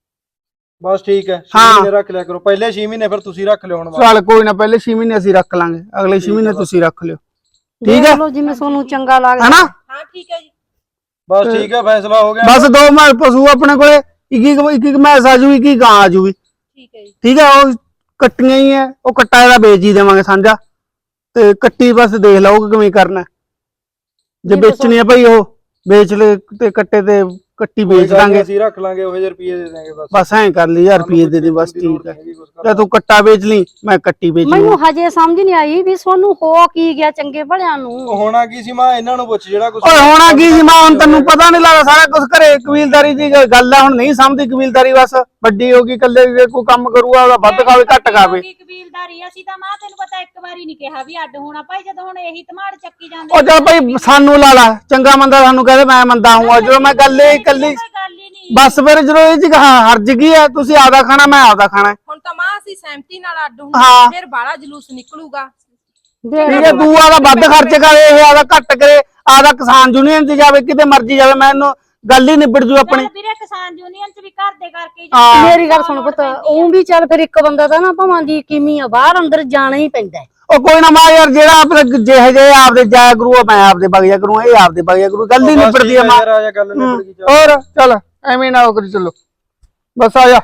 Speaker 1: ਬਸ ਠੀਕ ਹੈ 6
Speaker 5: ਹਾਂ।
Speaker 1: ਮਹੀਨੇ ਰੱਖ ਲਿਆ ਕਰੋ, ਪਹਿਲੇ 6 ਮਹੀਨੇ ਫਿਰ ਤੁਸੀਂ ਰੱਖ ਲਿਓ ਹੁਣ ਬਸ।
Speaker 5: ਚੱਲ ਕੋਈ ਨਾ, ਪਹਿਲੇ 6 ਮਹੀਨੇ ਅਸੀਂ ਰੱਖ ਲਾਂਗੇ, ਅਗਲੇ 6 ਮਹੀਨੇ ਤੁਸੀਂ ਰੱਖ ਲਿਓ, ਠੀਕ ਹੈ
Speaker 3: ਦੇਖ ਲਓ ਜਿਵੇਂ ਤੁਹਾਨੂੰ ਚੰਗਾ ਲੱਗਦਾ
Speaker 5: ਹੈਨਾ।
Speaker 4: ਹਾਂ ਠੀਕ ਹੈ ਜੀ।
Speaker 1: ਬਸ ਠੀਕ ਹੈ ਫੈਸਲਾ ਹੋ ਗਿਆ।
Speaker 5: ਬਸ 2 ਮੈਂ ਪਸ਼ੂ ਆਪਣੇ ਕੋਲੇ, ਇੱਕ ਮੈਸ ਆ ਜੂਗੀ, ਇੱਕ ਗਾਂ ਆ ਜੂਗੀ,
Speaker 4: ਠੀਕ ਹੈ ਜੀ।
Speaker 5: ਠੀਕ ਹੈ। ਉਹ ਕੱਟੀਆਂ ਹੀ ਹੈ, ਉਹ ਕੱਟਾ ਇਹਦਾ ਵੇਚ ਹੀ ਦੇਵਾਂਗੇ ਸਾਂਝਾ, ਤੇ ਕੱਟੀ ਬਸ ਦੇਖ ਲਓ ਕਿਵੇਂ ਕਰਨਾ, ਜੇ ਵੇਚਣੀ ਆ ਭਾਈ ਉਹ ਵੇਚ ਲੈ, ਤੇ ਕੱਟੇ ਤੇ ਕੱਟੀ ਵੇਚ ਦਾਂਗੇ,
Speaker 1: ਅਸੀਂ ਰੱਖ ਲਾਂਗੇ ਉਹ ਜਿਹੇ ਰੁਪਏ ਦੇ ਦਾਂਗੇ ਬਸ।
Speaker 5: ਬਸ ਐਂ ਕਰ ਲਈ 1000 ਰੁਪਏ ਦੇ ਦੇ ਬਸ, ਠੀਕ ਹੈ। ਤੇ ਤੂੰ ਕੱਟਾ ਵੇਚ ਲਈ, ਮੈਂ ਕੱਟੀ ਵੇਚ ਲਈ।
Speaker 3: ਮੈਨੂੰ ਹਜੇ ਸਮਝ ਨਹੀਂ ਆਈ ਵੀ ਤੁਹਾਨੂੰ ਹੋ ਕੀ ਗਿਆ ਚੰਗੇ ਭਲਿਆਂ ਨੂੰ।
Speaker 1: ਹੋਣਾ ਕੀ ਸੀ ਮਾਂ, ਇਹਨਾਂ ਨੂੰ ਪੁੱਛ ਜਿਹੜਾ ਕੁਝ
Speaker 5: ਓਏ ਹੋਣਾ ਕੀ ਸੀ ਮਾਂ, ਹੁਣ ਤੈਨੂੰ ਪਤਾ ਨਹੀਂ ਲੱਗਦਾ ਸਾਰਾ ਕੁਝ ਘਰੇ, ਕਬੀਲਦਾਰੀ ਦੀ ਗੱਲ ਆ, ਹੁਣ ਨਹੀਂ ਸਮਝਦੀ ਕਬੀਲਦਾਰੀ, ਬਸ ਵੱਡੀ ਹੋ ਗਈ, ਕੱਲੇ ਜੇ ਕੋਈ ਕੰਮ ਕਰੂਗਾ ਉਹਦਾ ਵੱਧ ਖਾਵੇ ਘੱਟ ਖਾਵੇ।
Speaker 2: ਕਬੀਲਦਾਰੀ ਅਸੀਂ ਤਾਂ ਮਾਂ ਤੈਨੂੰ ਪਤਾ ਇੱਕ ਵਾਰੀ ਨਹੀਂ ਕਿਹਾ ਵੀ ਅੱਡ ਹੋਣਾ ਭਾਈ, ਜਦੋਂ ਹੁਣ ਇਹੀ ਧਮਾੜ ਚੱਕੀ ਜਾਂਦੇ।
Speaker 5: ਉਹ ਚੱਲ ਭਾਈ ਸਾਨੂੰ ਲਾ ਲਾ, ਚੰਗਾ ਮੰਦਾ ਸਾਨੂੰ ਕਹਦੇ ਮੈਂ ਮੰਦਾ ਹੂੰ, ਜਦੋਂ ਮੈਂ ਗੱਲ ਹੀ ਕੱਲੀ ਬਸ, ਫਿਰ ਜਦੋਂ ਇਹ ਚ ਹਰਜ ਗਈ ਆ, ਤੁਸੀਂ ਆਪਦਾ ਖਾਣਾ ਮੈਂ ਆਪਦਾ ਖਾਣਾ।
Speaker 4: ਹੁਣ ਤਾਂ ਮਾਂ ਅਸੀਂ ਸਹਿਮਤੀ ਨਾਲ ਅੱਡ
Speaker 5: ਹਾਂ।
Speaker 4: ਹੁੰਦੇ, ਫਿਰ ਬਾਹਲਾ ਜਲੂਸ ਨਿਕਲੂਗਾ।
Speaker 5: ਠੀਕ ਹੈ, ਤੂੰ ਆਦਾ ਵੱਧ ਖਰਚ ਕਰੇ, ਇਹ ਆਦਾ ਘੱਟ ਕਰੇ, ਆਦਾ ਕਿਸਾਨ ਯੂਨੀਅਨ ਚ ਜਾਵੇ, ਕਿਤੇ ਮਰਜੀ ਜਾਵੇ, ਮੈਨੂੰ ਗੱਲ ਹੀ ਨਿਬੜ ਜੂ ਆਪਣੀ।
Speaker 2: ਵੀਰੇ ਕਿਸਾਨ ਯੂਨੀਅਨ ਚ ਵੀ ਘਰ ਦੇ ਕਰਕੇ
Speaker 5: ਹਾਂ।
Speaker 3: ਮੇਰੀ ਗੱਲ ਸੁਣ ਪੁੱਤ, ਉਹ ਵੀ ਚੱਲ ਫਿਰ ਇੱਕ ਬੰਦਾ ਤਾਂ ਨਾ ਭਾਵਾਂ ਦੀ ਕਿਮੀ ਆ, ਬਾਹਰ ਅੰਦਰ ਜਾਣਾ ਹੀ ਪੈਂਦਾ ਹੈ।
Speaker 5: ਉਹ ਕੋਈ ਨਾ ਮਾਂ ਯਾਰ, ਜਿਹੜਾ ਆਪਣੇ ਜਿਹੇ ਜਿਹੇ ਆਪਦੇ ਜਾਇਆ ਕਰੂ, ਮੈਂ ਆਪਦੇ ਬਗਿਆ ਕਰੂੰ, ਇਹ ਆਪਦੇ ਬਗਿਆ ਕਰੂ, ਗੱਲ ਹੀ ਨਿਬੜਦੀ ਆ ਮਾਂ।
Speaker 1: ਗੱਲ ਨਿਬੜ ਗਈ ਚੱਲ।
Speaker 5: ਹੋਰ ਚੱਲ ਐਵੇਂ ਨਾ ਕਰੀ, ਚਲੋ ਬਸ ਆ ਜਾ।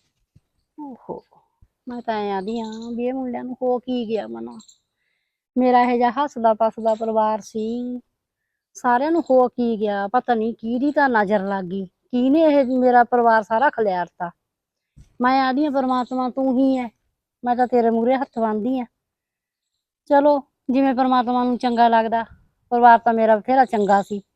Speaker 3: ਓਹੋ ਮੈਂ ਤਾਂ ਐਂ ਆਦੀ ਆ ਵੀ ਇਹ ਮੁੰਡਿਆਂ ਨੂੰ ਹੋ ਕੀ ਗਿਆ ਮਨਾ, ਮੇਰਾ ਇਹ ਜਿਹਾ ਹੱਸਦਾ ਪਸਦਾ ਪਰਿਵਾਰ ਸੀ, ਸਾਰਿਆਂ ਨੂੰ ਹੋ ਕੀ ਗਿਆ ਪਤਾ ਨਹੀਂ ਕਿਹਦੀ ਤਾਂ ਨਜ਼ਰ ਲੱਗ ਗਈ, ਕਿਹਨੇ ਇਹ ਮੇਰਾ ਪਰਿਵਾਰ ਸਾਰਾ ਖਲਿਆਰਤਾ। ਮੈਂ ਆਦੀ ਆ ਪਰਮਾਤਮਾ ਤੂੰ ਹੀ ਹੈ, ਮੈਂ ਤਾਂ ਤੇਰੇ ਮੂਹਰੇ ਹੱਥ ਬੰਨ੍ਹਦੀ ਆ, ਚਲੋ ਜਿਵੇਂ ਪਰਮਾਤਮਾ ਨੂੰ ਚੰਗਾ ਲੱਗਦਾ। ਪਰਿਵਾਰ ਤਾਂ ਮੇਰਾ ਬਥੇਰਾ ਚੰਗਾ ਸੀ,